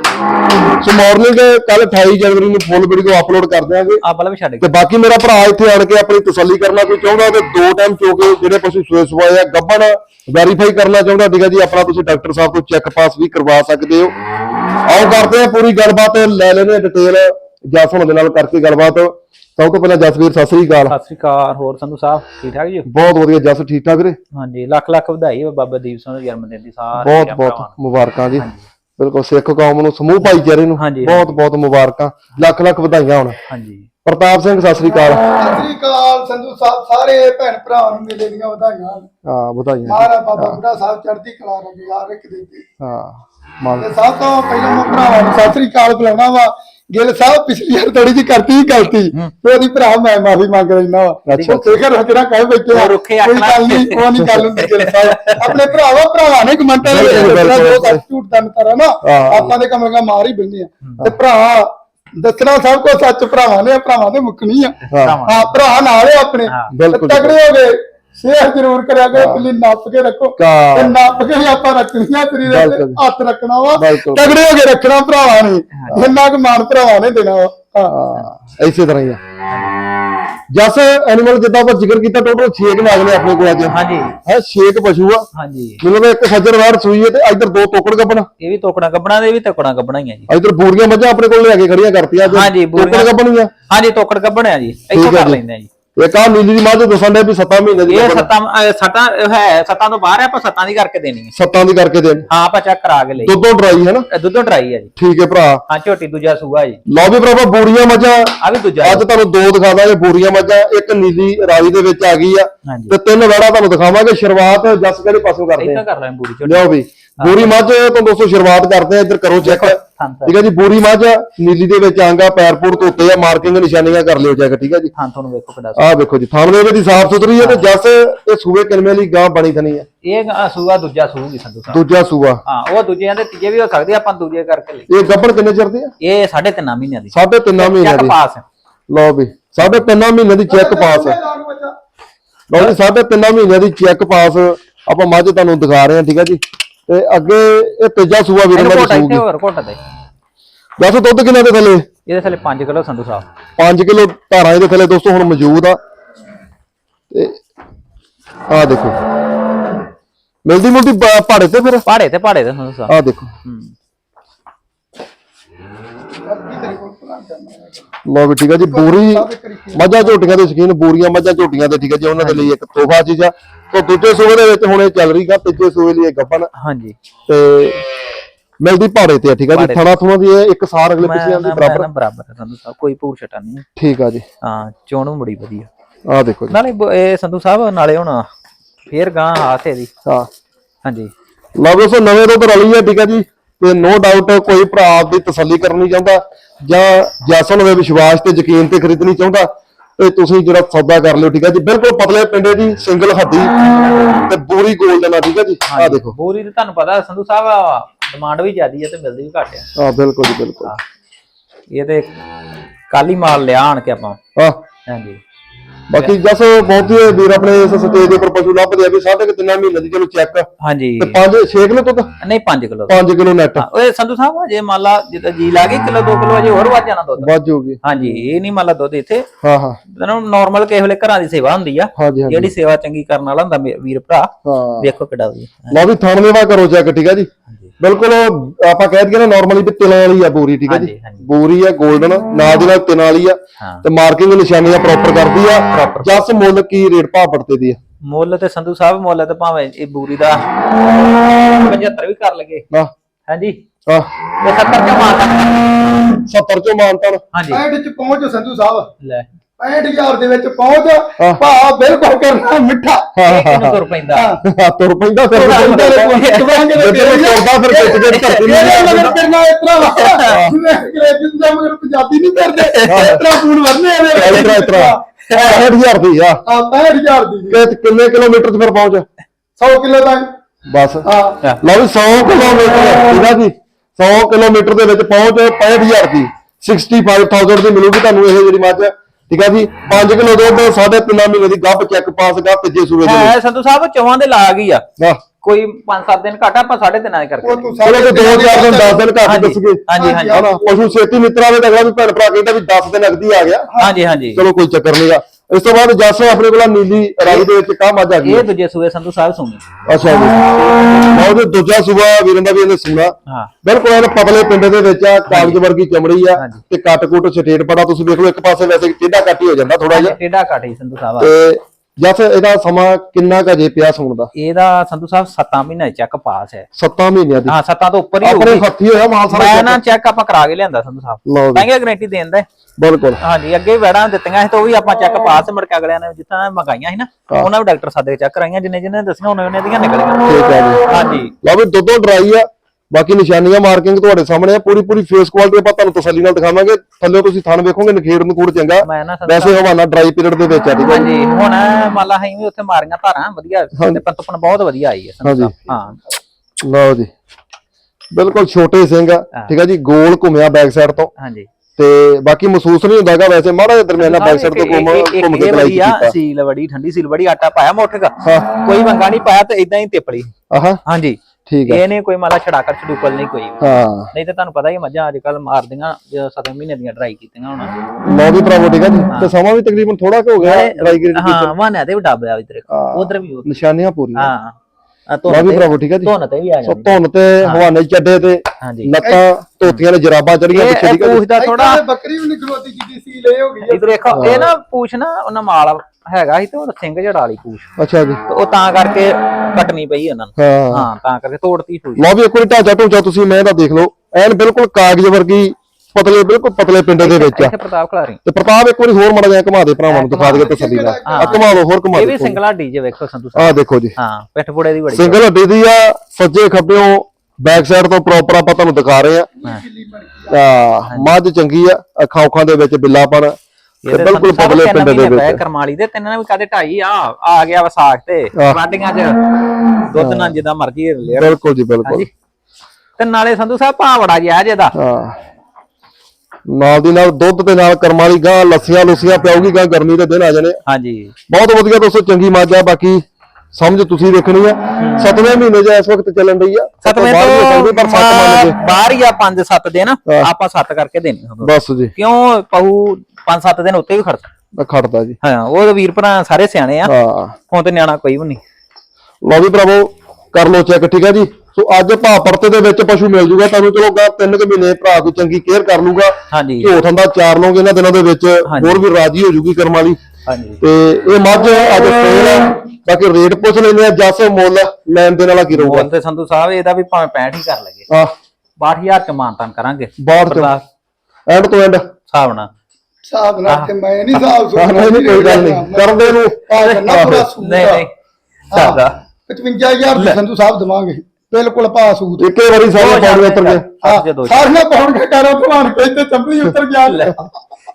[SPEAKER 1] सो मॉर्निंग कल अठाई जनवरी में फुल वीडियो अपलोड कर देंगे। बाकी मेरा भरा इतने आन के अपनी तसली करना कोई चाहता तो दो टाइम चो के जो पशु सोए सुआए आ गब्बन वैरीफाई करना चाहता, ठीक है जी, अपना तुम डॉक्टर साहब को चैक पास भी करवा सकते हो। आओ करते हैं पूरी गलबात लै लेने डिटेल जस हुण दे नाल करके गलबात। सब तो पहला जसवीर सत श्री अकाल।
[SPEAKER 2] सत श्री अकाल होर संधू साहब ठीक ठाक जी?
[SPEAKER 1] बहुत वधिया जस ठीक ठाक वीरे।
[SPEAKER 2] हां जी लख लख बधाई हो बाबा दीप सिंह दे जन्म दिन दी सारे
[SPEAKER 1] बहुत बहुत मुबारकां जी। बिल्कुल सिख कौम नूं समूह भाईचारे नूं बहुत बहुत मुबारकां लख लख बधाईयां होण। हां जी प्रताप सिंह सत श्री अकाल।
[SPEAKER 3] सत श्री अकाल संधू साहब सारे भैन भरावां नूं मेले दीयां बधाईयां।
[SPEAKER 1] हां बधाईयां
[SPEAKER 3] महाराज बाबा बुढ़ा साहब चढ़दी कला रंग यार एक देती।
[SPEAKER 1] हां मान
[SPEAKER 3] ते सब तो पहला मैं भरावां नूं सत श्री अकाल बुलाउणा वा। गिल साहब पिछली बार थोड़ी जी करती ही गलती ते ओदी भरा मैं माफी मंग लेना वा। अच्छा फिकर रखना कह बैठे कोई गल नहीं वो नहीं गल हुंदी। गिल साहब अपने भरावा भरावां ने कमेंटां दे विच झूठ दन करा ना आपां दे कमरे मार ही बैठे आ ते भरा दसना सब को सच भरावां ने भरावां दे मुकनी आ। हां भरा नाल अपने तगड़े हो गए शेयर जरूर करा करो पिल्ली नप के रखो ते नप के आपां रखनियां शरीर ते हत्थ रखना वा तगड़े हो के रखना भरावां ने जिन्ना क मान भरावां ने देना वा। हां
[SPEAKER 1] इसे तरह ही जस एनिमल जिद्दां ਆਪਾਂ ਜ਼ਿਕਰ ਕੀਤਾ ਟੋਟल छे के नाग ने अपने को आज।
[SPEAKER 2] हां जी
[SPEAKER 1] है छे के पशु आ।
[SPEAKER 2] हां जी
[SPEAKER 1] मतलब एक सज्जर वार सूई है ते इधर दो टोकड़ गब्बन
[SPEAKER 2] ये भी टोकड़ा गब्बना दे भी टोकड़ा गब्बना ही है जी।
[SPEAKER 1] इधर बूरियां मੱਝਾਂ अपने को लेके खड़ियां करती आज।
[SPEAKER 2] हां जी
[SPEAKER 1] टोकड़ गब्बन ही आ।
[SPEAKER 2] हां जी टोकड़ गब्बन है जी इथों कर लेंदे हैं जी।
[SPEAKER 1] एक आ नीली दी मੱਝ दसन दे भी सत्तां महीने दी
[SPEAKER 2] ये सत्तां सत्तां है सत्तां तो बाहर है पर सत्तां दी करके देनी है।
[SPEAKER 1] सत्तां दी करके देन
[SPEAKER 2] हां आप चेक करा के ले
[SPEAKER 1] दुद्धों ड्राई है ना
[SPEAKER 2] दुद्धों ड्राई है जी।
[SPEAKER 1] ठीक है भरा।
[SPEAKER 2] हां झोटी दूजा सूआ जी।
[SPEAKER 1] लो भी भरावा बूरियां मੱਝਾਂ
[SPEAKER 2] आ भी दूजा
[SPEAKER 1] ਅੱਜ ਤੁਹਾਨੂੰ ਦੋ ਦਿਖਾ ਦਾਂਗੇ ਬੂਰੀਆਂ ਮੱਝਾਂ ਇੱਕ ਨੀਲੀ ਰਾਵੀ ਦੇ ਵਿੱਚ ਆ ਗਈ ਆ ਤੇ ਤਿੰਨ ਵੜਾ ਤੁਹਾਨੂੰ ਦਿਖਾਵਾਂਗੇ। ਸ਼ੁਰੂਆਤ ਜਸ ਕਿਹੜੇ ਪਾਸੋਂ ਕਰਦੇ ਆ
[SPEAKER 2] कर रहे हैं बूरी झोटी
[SPEAKER 1] ਲਿਓ ਵੀ ਬੂਰੀ ਮੱਝ ਤੋਂ ਦੋਸਤੋ ਸ਼ੁਰੂਆਤ ਕਰਦੇ ਆ। ਇੱਧਰ ਕਰੋ ਚੈੱਕ ਠੀਕ ਹੈ ਜੀ। ਬੂਰੀ ਮੱਝ ਨੀਲੀ ਦੇ ਵਿੱਚ ਆਂਗਾ ਪੈਰ ਪੂਰ ਧੋਤੇ ਆ ਮਾਰਕਿੰਗ ਨਿਸ਼ਾਨੀਆਂ ਕਰ ਲਿਓ ਚੈੱਕ, ਠੀਕ ਹੈ ਜੀ।
[SPEAKER 2] ਹਾਂ ਤੁਹਾਨੂੰ ਵੇਖੋ ਕਿੱਡਾ
[SPEAKER 1] ਆਹ ਵੇਖੋ ਜੀ ਥਾਮਲੇ ਦੀ ਸਾਫ ਸੁਥਰੀ ਹੈ ਤੇ ਜਸ ਇਹ ਸੂਏ ਕਿਨਵੇਂ ਲਈ ਗਾਂ ਬਣੀ ਥਣੀ ਹੈ।
[SPEAKER 2] ਇਹ ਸੂਆ ਦੂਜਾ ਸੂਗੀ ਸੰਧੂ ਸਾਹਿਬ
[SPEAKER 1] ਦੂਜਾ ਸੂਆ।
[SPEAKER 2] ਹਾਂ ਉਹ ਦੂਜਿਆਂ ਦੇ ਤੀਜੇ ਵੀ ਹੋ ਸਕਦੇ ਆਪਾਂ ਦੂਜੇ ਕਰਕੇ ਲਈ।
[SPEAKER 1] ਇਹ ਗੱਭਣ ਕਿੰਨੇ ਚਿਰ ਦੀ ਆ?
[SPEAKER 2] ਇਹ ਸਾਢੇ ਤਿੰਨ ਮਹੀਨਿਆਂ ਦੀ।
[SPEAKER 1] ਸਾਢੇ ਤਿੰਨ ਮਹੀਨਿਆਂ ਦੀ
[SPEAKER 2] ਪਾਸ।
[SPEAKER 1] ਲਓ ਵੀ ਸਾਢੇ ਤਿੰਨ ਮਹੀਨਿਆਂ ਦੀ ਚੈੱਕ ਪਾਸ। ਲਓ ਜੀ ਸਾਢੇ ਤਿੰਨ ਮਹੀਨਿਆਂ ਦੀ ਚੈੱਕ ਪਾਸ ਆਪਾਂ ਮੱਝ ਤੁਹਾਨੂੰ ਦਿਖਾ ਰਹੇ ਹਾਂ, ਠੀਕ ਹੈ ਜੀ। ਤੇ ਅੱਗੇ ਇਹ ਤੀਜਾ ਸੂਆ ਵੀਰ ਮੇਰੀ ਸੂਗੀ।
[SPEAKER 2] ਹੋਰ ਘੋਟਾ ਦੇ
[SPEAKER 1] ਦੱਸ ਦੁੱਧ ਕਿੰਨੇ ਦੇ ਥੱਲੇ?
[SPEAKER 2] ਇਹਦੇ ਥੱਲੇ ਪੰਜ ਕਿਲੋ ਸੰਧੂ ਸਾਹਿਬ।
[SPEAKER 1] ਪੰਜ ਕਿਲੋ ਧਾਰਾਂ ਇਹਦੇ ਥੱਲੇ ਦੋਸਤੋ ਹੁਣ ਮੌਜੂਦ ਆ। ਤੇ ਆਹ ਦੇਖੋ ਮਿਲਦੀ ਮੁਲਦੀ ਪਹਾੜੇ ਤੇ ਫਿਰ
[SPEAKER 2] ਪਹਾੜੇ ਤੇ ਪਹਾੜੇ ਤੇ ਸੰਧੂ ਸਾਹਿਬ।
[SPEAKER 1] ਆਹ ਦੇਖੋ ਲਓ ਵੀ ਠੀਕ ਹੈ ਜੀ। ਬੂਰੀ ਮੱਝਾਂ ਝੋਟੀਆਂ ਦੇ ਸ਼ੌਕੀਨ ਬੂਰੀਆਂ ਮੱਝਾਂ ਝੋਟੀਆਂ ਦੇ, ਠੀਕ ਹੈ ਜੀ, ਉਹਨਾਂ ਦੇ ਲਈ ਇੱਕ ਤੋਹਫਾ ਚੀਜ਼ ਆ। ਤੇ ਦੂਜੇ ਸੂਏ ਦੇ ਵਿੱਚ ਹੁਣ ਇਹ ਚੱਲ ਰਹੀ ਗਾ ਤੀਜੇ ਸੂਏ ਲਈ ਗੱਭਣ।
[SPEAKER 2] ਹਾਂਜੀ
[SPEAKER 1] ਤੇ ਮਿਲਦੀ ਪਹਾੜੇ ਤੇ, ਠੀਕ ਹੈ ਜੀ। ਥਣਾ ਥੁਣਾ ਦੀ ਇੱਕ ਸਾਰ ਅਗਲੇ ਪਿਛਲੇ ਦੀ ਬਰਾਬਰ
[SPEAKER 2] ਬਰਾਬਰ ਹੈ ਸੰਧੂ ਸਾਹਿਬ, ਕੋਈ ਭੂਰ ਛਟਾ ਨਹੀਂ।
[SPEAKER 1] ਠੀਕ ਆ ਜੀ।
[SPEAKER 2] ਹਾਂ ਚੋਣ ਬੜੀ ਵਧੀਆ।
[SPEAKER 1] ਆਹ ਦੇਖੋ ਜੀ
[SPEAKER 2] ਨਾਲੇ ਇਹ ਸੰਧੂ ਸਾਹਿਬ ਨਾਲੇ ਹੁਣ ਫੇਰ ਗਾਂ ਹਾਥੇ ਦੀ।
[SPEAKER 1] ਹਾਂ
[SPEAKER 2] ਹਾਂਜੀ
[SPEAKER 1] ਲਓ ਦੋਸਤੋ ਨਵੇਂ ਤੋਂ ਰਲੀ ਹੈ, ਠੀਕ ਹੈ ਜੀ। ਤੇ ਨੋ ਡਾਊਟ ਕੋਈ ਭਰਾ ਦੀ ਤਸੱਲੀ ਕਰਨੀ ਚਾਹੁੰਦਾ ਜਾਂ ਜੈਸਨ ਦੇ ਵਿਸ਼ਵਾਸ ਤੇ ਯਕੀਨ ਤੇ ਖਰੀਦਣੀ ਚਾਹੁੰਦਾ ਤੇ ਤੁਸੀਂ ਜਿਹੜਾ ਸੌਦਾ ਕਰ ਲਿਓ ਠੀਕ ਹੈ ਜੀ ਬਿਲਕੁਲ ਪਤਲੇ ਪਿੰਡੇ ਦੀ ਸਿੰਗਲ ਹੱਡੀ ਤੇ ਬੂਰੀ ਗੋਲਡਨ ਆ ਠੀਕ ਹੈ ਜੀ ਆ ਦੇਖੋ
[SPEAKER 2] ਬੋਰੀ ਤੇ ਤੁਹਾਨੂੰ ਪਤਾ ਸੰਧੂ ਸਾਹਿਬ ਡਿਮਾਂਡ ਵੀ ਜ਼ਿਆਦੀ ਹੈ ਤੇ ਮਿਲਦੀ ਵੀ ਘੱਟ ਆ
[SPEAKER 1] ਹਾਂ ਬਿਲਕੁਲ ਜੀ ਬਿਲਕੁਲ
[SPEAKER 2] ਇਹ ਤੇ ਕੱਲ ਹੀ ਮਾਲ ਲਿਆ ਆਣ ਕੇ ਆਪਾਂ
[SPEAKER 1] ਹਾਂ
[SPEAKER 2] ਹਾਂਜੀ
[SPEAKER 1] ਬਾਕੀ ਜਸ ਬਹੁਤ ਹੀ ਵੀਰ ਆਪਣੇ ਇਸ ਸਟੇਜ ਦੇ ਉੱਪਰ ਪਸ਼ੂ ਲੱਭਦੇ ਆ ਵੀ ਸਾਢੇ ਕਿ ਤਿੰਨਾਂ ਮਹੀਨੇ ਦੀ ਚਲੋ ਚੈੱਕ
[SPEAKER 2] ਹਾਂਜੀ
[SPEAKER 1] ਤੇ ਪੰਜ ਛੇ ਕਿਲੋ ਤੋਂ
[SPEAKER 2] ਨਹੀਂ ਪੰਜ ਕਿਲੋ
[SPEAKER 1] ਪੰਜ ਕਿਲੋ ਨੈਟ
[SPEAKER 2] ਓਏ ਸੰਧੂ ਸਾਹਿਬ ਅਜੇ ਮੰਨ ਲਾ ਜਿੱਦਾਂ ਜੀ ਲਾ ਗਈ ਕਿਲੋ ਦੋ ਕਿਲੋ ਅਜੇ ਹੋਰ ਵੱਧ ਜਾਣਾ ਦੁੱਧ
[SPEAKER 1] ਵੱਧ ਜਾਊਗੀ
[SPEAKER 2] ਹਾਂਜੀ ਇਹ ਨਹੀਂ ਮੰਨ ਲਾ ਦੁੱਧ ਇੱਥੇ
[SPEAKER 1] ਹਾਂ ਹਾਂ
[SPEAKER 2] ਤੈਨੂੰ ਨਾਰਮਲ ਕਿਸੇ ਵੇਲੇ ਘਰਾਂ ਦੀ ਸੇਵਾ ਹੁੰਦੀ ਆ
[SPEAKER 1] ਹਾਂਜੀ ਹਾਂਜੀ
[SPEAKER 2] ਜਿਹੜੀ ਸੇਵਾ ਚੰਗੀ ਕਰਨ ਵਾਲਾ ਹੁੰਦਾ ਮੇ- ਵੀਰ ਭਰਾ
[SPEAKER 1] ਹਾਂ
[SPEAKER 2] ਵੇਖੋ ਕਿੱਡਾ ਵਧੀਆ
[SPEAKER 1] ਲਓ ਵੀ ਥਣ ਲੈਵਾ ਕਰੋ ਚੈੱਕ ਠੀਕ ਹੈ ਜੀ ਬਿਲਕੁਲ ਆਪਾਂ ਕਹਿ ਦਈਏ ਨਾ ਨਾਰਮਲੀ ਵੀ ਤਿਲਾਂ ਵਾਲੀ ਆ ਬੋਰੀ ਠੀਕ ਹੈ ਜੀ
[SPEAKER 2] ਹਾਂਜੀ, ਹਾਂਜੀ।
[SPEAKER 1] ਬੋਰੀ ਆ 골ਡਨ ਨਾਲ ਦੀ ਨਾਲ ਤਿਲਾਂ ਵਾਲੀ ਆ
[SPEAKER 2] ਹਾਂ।
[SPEAKER 1] ਤੇ ਮਾਰਕਿੰਗ ਨਿਸ਼ਾਨੀਆਂ ਪ੍ਰੋਪਰ ਕਰਦੀ ਆ ਜਸ ਮੁੱਲ ਕੀ ਰੇਟ ਭਾਅ ਪੜਤੇ ਦੀ ਆ
[SPEAKER 2] ਮੁੱਲ ਤੇ ਸੰਧੂ ਸਾਹਿਬ ਮੁੱਲ ਤੇ ਭਾਵੇਂ ਇਹ ਬੂਰੀ ਦਾ ਪਝੱਤਰ ਵੀ ਕਰ ਲਗੇ
[SPEAKER 1] ਹਾਂ
[SPEAKER 2] ਹਾਂਜੀ
[SPEAKER 1] ਹਾਂ
[SPEAKER 2] ਤੇ ਸੱਤਰ ਚ ਮਾਰਦਾ
[SPEAKER 1] ਸੱਤਰ ਚੋਂ ਮਾਨਤਾ
[SPEAKER 2] ਹਾਂਜੀ
[SPEAKER 3] ਪੈਂਹਠ ਚ ਪਹੁੰਚ ਸੰਧੂ ਸਾਹਿਬ
[SPEAKER 2] ਲੈ
[SPEAKER 3] ਪੈਂਹਠ ਹਜ਼ਾਰ ਦੇ ਵਿੱਚ ਪਹੁੰਚ
[SPEAKER 1] ਹਾਂ।
[SPEAKER 3] ਭਾ ਬਿਲਕੁਲ ਕਰਨਾ ਮਿੱਠਾ
[SPEAKER 2] ਇਹ ਕਿਨੂੰ ਤੁਰ ਪੈਂਦਾ
[SPEAKER 1] ਹਾਂ ਤੁਰ ਪੈਂਦਾ ਫਿਰ
[SPEAKER 3] ਤੁਰਦਾ
[SPEAKER 1] ਫਿਰ ਖਿੱਚ ਕੇ ਧਰਤੀ ਨੂੰ
[SPEAKER 3] ਮਗਰ ਕਰਨਾ ਇਤਰਾ ਅੰਗਰੇਜ਼ੀ ਦਾ ਮਗਰ ਪੰਜਾਬੀ ਨਹੀਂ ਕਰਦੇ ਇਤਰਾ ਫੂਨ ਵਰਨੇ
[SPEAKER 1] ਇਤਰਾ ਇਤਰਾ ਪੈਂਹਠ ਹਜ਼ਾਰ ਦੀ ਆ
[SPEAKER 3] ਹਾਂ ਪੈਂਹਠ ਹਜ਼ਾਰ ਦੀ
[SPEAKER 1] ਤੇ ਕਿੰਨੇ ਕਿਲੋਮੀਟਰ ਚ ਫਿਰ ਪਹੁੰਚ
[SPEAKER 3] ਸੌ ਕਿਲੋ ਦਾ
[SPEAKER 1] ਬਸ
[SPEAKER 3] ਹਾਂ
[SPEAKER 1] ਲਓ ਵੀ ਸੌ ਕਿਲੋਮੀਟਰ ਠੀਕ ਆ ਜੀ ਸੌ ਕਿਲੋਮੀਟਰ ਦੇ ਵਿੱਚ ਪਹੁੰਚ ਪੈਂਹਠ ਹਜ਼ਾਰ ਦੀ ਪੈਂਸਠ ਹਜ਼ਾਰ ਦੀ ਮਿਲੂਗੀ ਤੁਹਾਨੂੰ ਇਹ ਜਿਹੜੀ ਮੱਝ ਠੀਕ ਆ ਜੀ ਪੰਜ ਕਿਲੋ ਦੁੱਧ ਸਾਢੇ ਤਿੰਨ ਮਹੀਨੇ ਦੀ ਗੱਭ ਚੈੱਕ ਪਾਸ ਗਾ ਤੀਜੇ ਸੂਬੇ ਦੇ
[SPEAKER 2] ਹੈ ਸੰਧੂ ਸਾਹਿਬ ਚੌਵਾਂ ਦੇ ਲਾ ਗਈ ਆ
[SPEAKER 1] ਵਾਹ
[SPEAKER 2] ਕੋਈ ਪੰਜ ਸੱਤ ਦਿਨ ਘੱਟ ਆਪਾਂ ਸਾਢੇ ਤਿੰਨਾਂ ਦੇ ਕਰਕੇ
[SPEAKER 3] ਉਹ ਤੂੰ
[SPEAKER 1] ਚਲੋ ਤੇ ਦੋ ਚਾਰ ਦਿਨ ਦਸ ਦਿਨ ਘੱਟ
[SPEAKER 2] ਹਾਂਜੀ,
[SPEAKER 1] ਦੱਸਗੇ
[SPEAKER 2] ਹਾਂਜੀ, ਹਾਂਜੀ।
[SPEAKER 1] ਹਨਾ ਪਸ਼ੂ ਛੇਤੀ ਮਿੱਤਰਾਂ ਦੇ ਅਗਲਾ ਵੀ ਭੈਣ ਭਰਾ ਕਹਿੰਦਾ ਵੀ ਦਸ ਦਿਨ ਅਗਦੀ ਆ ਗਿਆ
[SPEAKER 2] ਹਾਂਜੀ ਹਾਂਜੀ
[SPEAKER 1] ਚਲੋ ਕੋਈ ਚੱਕਰ ਨਹੀਂਗਾ ਇਸ ਤੋਂ ਬਾਅਦ ਜੱਸ ਆਪਣੇ ਕੋਲ ਨੀਲੀ ਰਾਈ ਦੇ ਵਿੱਚ ਕਾਹ ਮੱਝ ਆ ਗਈ
[SPEAKER 2] ਇਹ ਦੂਜੇ ਸੂਏ ਸੰਧੂ ਸਾਹਿਬ ਸੁਣੀ
[SPEAKER 1] ਅੱਛਾ ਜੀ ਬਹੁਤ ਜੀ ਦੂਜਾ ਸੂਬਾ ਵੀਰਾਂ ਦਾ ਵੀ ਇਹਨੇ ਸੁਣਾ
[SPEAKER 2] ਹਾਂ
[SPEAKER 1] ਬਿਲਕੁਲ ਇਹ ਪਤਲੇ ਪਿੰਡ ਦੇ ਵਿੱਚ ਆ ਕਾਗਜ਼ ਵਰਗੀ ਚਮੜੀ ਆ
[SPEAKER 2] ਹਾਂਜੀ।
[SPEAKER 1] ਤੇ ਕੱਟ ਕੁੱਟ ਸਟੇਟ ਪੜਾ ਤੁਸੀਂ ਵੇਖ ਲਓ ਇੱਕ ਪਾਸੇ ਵੈਸੇ ਟੇਢਾ ਕੱਟ ਹੀ ਹੋ ਜਾਂਦਾ ਥੋੜਾ ਜਿਹਾ
[SPEAKER 2] ਟੇਡਾ ਘੱਟ ਹੀ ਸੰਧੂ ਸਾਹਿਬ
[SPEAKER 1] ਤੇ ਜੱਸ ਇਹਦਾ ਸਮਾਂ ਕਿੰਨਾ ਕੁ ਜੇ ਪਿਆ ਸੁਣ ਦਾ
[SPEAKER 2] ਇਹਦਾ ਸੰਧੂ ਸਾਹਿਬ ਸੱਤਾਂ ਮਹੀਨੇ ਚੈੱਕ ਪਾਸ ਹੈ
[SPEAKER 1] ਸੱਤਾਂ ਮਹੀਨਿਆਂ ਦੀ
[SPEAKER 2] ਹਾਂ ਸੱਤਾਂ ਤੋਂ ਉੱਪਰ ਹੀ
[SPEAKER 1] ਆਪਣੇ
[SPEAKER 2] ਹੋਊਗੀ
[SPEAKER 1] ਹੱਥੀ ਹੋਇਆ ਮਾਲ ਸਾਰਾ
[SPEAKER 2] ਮੈਂ ਨਾ ਚੈੱਕ ਆਪਾਂ ਕਰਾ ਕੇ ਲਿਆਂਦਾ ਸੰਧੂ ਸਾਹਿਬ
[SPEAKER 1] ਲਓ ਜੀ
[SPEAKER 2] ਮਹਿੰਗੇ ਗਾਰੰਟੀ ਦੇਣ ਦਾ
[SPEAKER 1] ਬਿਲਕੁਲ
[SPEAKER 2] ਹਾਂਜੀ ਅੱਗੇ ਵੈੜਾਂ ਦਿੱਤੀਆਂ ਸੀ ਤਾਂ ਉਹ ਵੀ ਆਪਾਂ ਚੈੱਕ ਪਾਸ ਮੁੜ ਕੇ ਅਗਲਿਆਂ ਨੇ ਜਿੱਦਾਂ ਮੰਗਾਈਆਂ ਸੀ ਨਾ ਉਹਨਾਂ ਵੀ ਡਾਕਟਰ ਸਾਦੇ ਚੈੱਕ ਕਰਾਈਆਂ ਜਿੰਨੇ ਜਿੰਨੇ ਦੱਸੀਆਂ ਉਹਨਾਂ ਉਹਨਾਂ ਦੀਆਂ ਨਿਕਲੀਆਂ
[SPEAKER 1] ਠੀਕ ਹੈ ਜੀ
[SPEAKER 2] ਹਾਂਜੀ
[SPEAKER 1] ਲਓ ਵੀ ਦੁੱਧੋਂ ਡਰਾਈ ਆ ਬਾਕੀ ਨਿਸ਼ਾਨੀਆਂ ਮਾਰਕਿੰਗ ਤੁਹਾਡੇ ਸਾਹਮਣੇ ਆ ਪੂਰੀ ਪੂਰੀ ਫੇਸ ਕੁਆਲਿਟੀ ਆਪਾਂ ਤੁਹਾਨੂੰ ਤਸੱਲੀ ਨਾਲ ਦਿਖਾਵਾਂਗੇ ਥੱਲੇ ਤੁਸੀਂ ਥਣ ਵੇਖੋਗੇ ਨਖੇੜ ਨੂੰ ਕੂੜ ਚੰਗਾ
[SPEAKER 2] ਮੈਂ ਨਾ ਸੰਧੂ
[SPEAKER 1] ਵੈਸੇ ਹਵਾਨਾ ਡਰਾਈ ਪੀਰੀਅਡ ਦੇ ਵਿੱਚ ਆ ਠੀਕ ਹੈ ਜੀ।
[SPEAKER 2] ਹਾਂਜੀ ਹੁਣ ਮੰਨ ਲਾ ਅਸੀਂ ਵੀ ਉੱਥੇ ਮਾਰੀਆਂ ਧਾਰਾਂ ਵਧੀਆ ਤੇ ਪੰਤਪਨ ਬਹੁਤ ਵਧੀਆ ਆਈ ਹੈ ਸੰਧੂ
[SPEAKER 1] ਹਾਂਜੀ।
[SPEAKER 2] ਸਾਹਿਬ। ਹਾਂ
[SPEAKER 1] ਲਓ ਜੀ ਬਿਲਕੁਲ ਛੋਟੇ ਸਿੰਘ ਆ ਠੀਕ ਹੈ ਜੀ ਗੋਲ ਘੁੰਮਿਆ ਬੈਕ ਸਾਈਡ ਤੋਂ
[SPEAKER 2] ਹਾਂਜੀ
[SPEAKER 1] ਤੇ ਬਾਕੀ ਮਹਿਸੂਸ ਨਹੀਂ ਹੁੰਦਾਗਾ ਵੈਸੇ ਮਾੜਾ ਜਿਹਾ ਦਰਮਿਆਨਾ ਬੈਕ ਸਾਈਡ ਤੋਂ ਘੁੰਮ ਘੁੰਮ ਕੇ ਟਰਾਈ ਕੀਤਾ
[SPEAKER 2] ਸੀਲ ਬੜੀ ਠੰਡੀ ਸੀਲ ਬੜੀ ਆਟਾ ਪਾਇਆ ਮੁੱਠ ਦਾ
[SPEAKER 1] ਹਾਂ
[SPEAKER 2] ਕੋਈ ਵੰਗਾ ਨਹੀਂ ਪਾਇਆ ਤੇ ਇਦਾਂ ਹੀ ਤਿਪਲੀ
[SPEAKER 1] ਆਹਾ
[SPEAKER 2] ਹਾਂਜੀ
[SPEAKER 1] ਠੀਕ ਹੈ
[SPEAKER 2] ਇਹ ਨਹੀਂ ਕੋਈ ਮਾਲਾ ਛੜਾਕਰ ਛੜੂਕਲ ਨਹੀਂ ਕੋਈ ਵੀ।
[SPEAKER 1] ਹਾਂ
[SPEAKER 2] ਨਹੀਂ ਤੇ ਤੁਹਾਨੂੰ ਪਤਾ ਹੀ ਹੈ ਮੱਝਾਂ ਅੱਜ ਕੱਲ ਮਾਰਦੀਆਂ ਜਦੋਂ ਸੱਤ ਮਹੀਨੇ ਦੀਆਂ ਡਰਾਈ ਕੀਤੀਆਂ ਹੁਣ
[SPEAKER 1] ਲਓ ਵੀ ਭਰਾਵੋ ਠੀਕ ਹੈ ਜੀ ਤੇ ਸਮਾਂ ਵੀ ਤਕਰੀਬਨ ਥੋੜਾ ਕੁ ਹੋ ਗਿਆ ਡਰਾਈ ਕਰੀ
[SPEAKER 2] ਹਾਂ ਵਾਹਨਿਆਂ ਤੇ ਵੀ ਡੱਬ ਆ ਇਧਰ
[SPEAKER 1] ਹਾਂ।
[SPEAKER 2] ਉਧਰ ਵੀ ਉਧਰ।
[SPEAKER 1] ਨਿਸ਼ਾਨੀਆਂ ਪੂਰੀਆਂ
[SPEAKER 2] ਹਾਂ ਆ
[SPEAKER 1] ਲਓ ਵੀ ਭਰਾਵੋ ਠੀਕ ਹੈ ਜੀ
[SPEAKER 2] ਧੁਨ ਤੇ ਵੀ ਆ
[SPEAKER 1] ਸੋ
[SPEAKER 2] ਜਾਂਦੀ
[SPEAKER 1] ਧੁੰਨ ਤੇ ਹਵਾਨੇ ਚੱਡੇ ਤੇ
[SPEAKER 2] ਹਾਂਜੀ
[SPEAKER 1] ਲੱਤਾਂ ਧੋਤੀਆਂ ਨੇ ਜਰਾਬਾਂ ਚੜੀਆਂ
[SPEAKER 2] ਇਹ
[SPEAKER 1] ਪਿੱਛੇ ਠੀਕ ਹੈ ਜੀ
[SPEAKER 2] ਪੂਛ ਦਾ ਥੋੜਾ
[SPEAKER 3] ਥੋੜਾ ਬੱਕਰੀ ਵੀ ਨਹੀਂ ਖਲੋਤੀ ਜਿੱਦੀ ਸੀ ਲੈ ਹੋ ਗਈ
[SPEAKER 2] ਇਧਰ ਦੇਖੋ ਇਹ ਨਾ ਪੂਛ ਨਾ ਉਹਨਾਂ ਮਾਲ ਹੈਗਾ ਸੀ ਤੇ ਉਹ ਸਿੰਘ ਜੜਾ ਲਈ ਪੂਛ
[SPEAKER 1] ਅੱਛਾ ਜੀ
[SPEAKER 2] ਤੇ ਉਹ ਤਾਂ ਕਰਕੇ ਕੱਟਣੀ ਪਈ ਉਹਨਾਂ ਨੂੰ
[SPEAKER 1] ਹਾਂ
[SPEAKER 2] ਹਾਂ ਤਾਂ ਕਰਕੇ ਤੋੜਤੀ ਪੂਛ
[SPEAKER 1] ਲਓ ਵੀ ਇੱਕ ਵਾਰੀ ਢਾਂਚਾ ਢੂੰਚਾ ਤੁਸੀਂ ਮੈਂ ਇਹਦਾ ਦੇਖ ਲਓ ਐਨ ਬਿਲਕੁਲ ਕਾਗਜ਼ ਵਰਗੀ ਪਤਲੇ ਬਿਲਕੁਲ ਪਤਲੇ ਪਿੰਡੇ ਦੇ ਵਿੱਚ ਆ
[SPEAKER 2] ਇੱਥੇ ਪ੍ਰਤਾਪ ਖਿਲਾਰੀ
[SPEAKER 1] ਤੇ ਪ੍ਰਤਾਪ ਇੱਕ ਵਾਰੀ ਹੋਰ ਮੜਾ ਜਾ ਘੁਮਾ ਦੇ ਭਰਾਵਾਂ ਨੂੰ ਦਿਖਾ ਦੇ ਤਸੱਲੀ ਨਾਲ ਆ ਘੁਮਾ ਲਓ ਹੋਰ ਘੁਮਾ
[SPEAKER 2] ਇਹ ਵੀ
[SPEAKER 1] ਦਿਓ
[SPEAKER 2] ਸਿੰਗਲਾ ਡੀਜੇ ਵੇਖੋ ਸੰਧੂ ਸਾਹਿਬ
[SPEAKER 1] ਆ ਦੇਖੋ ਜੀ
[SPEAKER 2] ਹਾਂ ਪਿੱਠ ਪੁੜੇ ਦੀ ਬੜੀ
[SPEAKER 1] ਸਿੰਗਲ ਹੱਡੀ ਦੀ ਆ ਸੱਜੇ ਖੱਬਿਓਂ ਬੈਕ ਸਾਈਡ ਤੋਂ ਪ੍ਰੋਪਰ ਆਪਾਂ ਤੁਹਾਨੂੰ ਦਿਖਾ ਰਹੇ ਆ ਆ ਮੱਝ ਚੰਗੀ ਆ ਅੱਖਾਂ ਅੱਖਾਂ ਦੇ ਵਿੱਚ ਬਿੱਲਾਪਣ ਤੇ ਬਿਲਕੁਲ ਪਤਲੇ ਪਿੰਡੇ ਦੇ ਵਿੱਚ
[SPEAKER 2] ਕਰਮਾਲੀ ਦੇ ਤਿੰਨਾਂ ਨੇ ਵੀ ਕਦੇ ਢਾਈ ਆ ਆ ਗਿਆ ਵਿਸਾਖ ਤੇ ਵਾਢੀਆਂ ਚ ਦੁੱਧ ਨਾਲ ਜਿੱਦਾਂ ਮਰਜ਼ੀ ਲੈ
[SPEAKER 1] ਬਿਲਕੁਲ ਜੀ ਬਿਲਕੁਲ
[SPEAKER 2] ਤੇ ਨਾਲੇ ਸੰਧੂ ਸਾਹਿਬ ਭਾਅ ਬੜਾ ਜਿਹਾ ਜਿਹਦਾ
[SPEAKER 1] ਹਾਂ ਨਾਲ ਦੀ ਨਾਲ ਦੁੱਧ ਦੇ ਨਾਲ ਕਰਮਾਂ ਵਾਲੀ ਗਾਂ ਲੱਸੀਆਂ ਲੁੱਸੀਆਂ ਪਿਆਉਗੀ ਗਾਂ ਗਰਮੀ ਦੇ ਦਿਨ ਆ ਜਾਣੇ
[SPEAKER 2] ਹਾਂਜੀ
[SPEAKER 1] ਬਹੁਤ ਵਧੀਆ ਦੋਸਤੋ ਚੰਗੀ ਮੱਝ ਆ ਬਾਕੀ ਸਮਝ ਤੁਸੀਂ ਵੇਖਣੀ ਆ ਸੱਤਵੇਂ ਮਹੀਨੇ ਜਾਂ ਇਸ ਵਕਤ ਚੱਲਣ ਰਹੀ ਆ
[SPEAKER 2] ਸੱਤਵੇਂ
[SPEAKER 1] ਤੋਂ ਪਰ ਸੱਤ ਮੰਨ ਕੇ
[SPEAKER 2] ਬਾਹਰ ਹੀ ਆ ਪੰਜ ਸੱਤ ਦਿਨ ਆਪਾਂ ਸੱਤ ਕਰਕੇ ਦੇਣੇ
[SPEAKER 1] ਬਸ ਜੀ
[SPEAKER 2] ਕਿਉਂ ਪਹੂ ਪੰਜ ਸੱਤ ਦਿਨ ਉੱਤੇ ਵੀ ਖੜਦਾ
[SPEAKER 1] ਖੜਦਾ ਜੀ
[SPEAKER 2] ਹਾਂ ਉਹ ਵੀਰ ਭਰਾ ਸਾਰੇ ਸਿਆਣੇ ਆ
[SPEAKER 1] ਹਾਂ
[SPEAKER 2] ਹੁਣ ਤੇ ਨਿਆਣਾ ਕੋਈ ਵੀ ਨਹੀਂ
[SPEAKER 1] ਲਓ ਵੀ ਭਰਾਵੋ ਕਰ ਲਓ ਚੈੱਕ ਠੀਕ ਹੈ ਜੀ ਸੋ ਅੱਜ ਭਾਅ ਪਰਤੇ ਦੇ ਵਿੱਚ ਪਸ਼ੂ ਮਿਲ ਜੂਗਾ ਤੁਹਾਨੂੰ ਚਲੋ ਗਾ ਤਿੰਨ ਕੁ ਮਹੀਨੇ ਭਰਾ ਕੋਈ ਚੰਗੀ ਕੇਅਰ ਕਰ ਲੂਗਾ
[SPEAKER 2] ਹਾਂਜੀ
[SPEAKER 1] ਝੋਠ ਹੁੰਦਾ ਚਾਰ ਲਓਗੇ ਇਹਨਾਂ ਦਿਨਾਂ ਦੇ ਵਿੱਚ ਹੋਰ ਵੀ ਰਾਜੀ ਹੋ ਜੂਗੀ ਕਰਮ ਵਾਲੀ
[SPEAKER 2] ਹਾਂਜੀ
[SPEAKER 1] ਤੇ ਇਹ ਮੱਝ ਅੱਜ ਫੇਰ ਆ ਬਾਕੀ ਰੇਟ ਪੁੱਛ ਲੈਂਦੇ ਆ ਜੱਸ ਮੁੱਲ ਲੈਣ ਦੇਣ ਵਾਲਾ ਕੀ ਰਹੂਗਾ
[SPEAKER 2] ਤੇ ਸੰਧੂ ਸਾਹਿਬ ਇਹਦਾ ਵੀ ਭਾਵੇਂ ਪੈਂਹਠ ਹੀ ਕਰ ਲਗੇ
[SPEAKER 1] ਹਾਂ
[SPEAKER 2] ਬਾਹਠ ਹਜ਼ਾਰ ਚ ਮਾਨਤਾਨ ਕਰਾਂਗੇ
[SPEAKER 1] ਬਾਹਠ ਤੋਂ ਐਂਡ ਤੋਂ ਐਂਡ
[SPEAKER 2] ਹਿਸਾਬ ਨਾਲ
[SPEAKER 3] ਹਿਸਾਬ ਨਾਲ ਤੇ ਮੈਂ ਨਹੀਂ ਹਿਸਾਬ ਸੂਤ
[SPEAKER 1] ਨਹੀਂ ਨਹੀਂ ਕੋਈ ਗੱਲ ਨਹੀਂ ਕਰਦੇ ਨੂੰ
[SPEAKER 3] ਆ ਕਰਨਾ ਪੂਰਾ ਸੂਤ
[SPEAKER 2] ਨਹੀਂ ਨਹੀਂ ਸਾਦਾ
[SPEAKER 3] ਪਚਵੰਜਾ ਹਜ਼ਾਰ ਦੀ ਸੰਧੂ ਸਾਹਿਬ ਦਵਾਂਗੇ ਬਿਲਕੁਲ ਪਾ ਸੂਤ
[SPEAKER 1] ਇੱਕੇ ਵਾਰੀ ਸਾਰੇ ਪਾਣੀ ਉਤਰ ਗਏ
[SPEAKER 2] ਅੱਜ ਦੋ
[SPEAKER 3] ਸਾਰੀਆਂ ਪਾਉਣ ਕੇ ਕਰੋ ਭਵਾਨ ਕੇ ਤੇ ਚੰਪਲੀ ਉਤਰ ਗਿਆ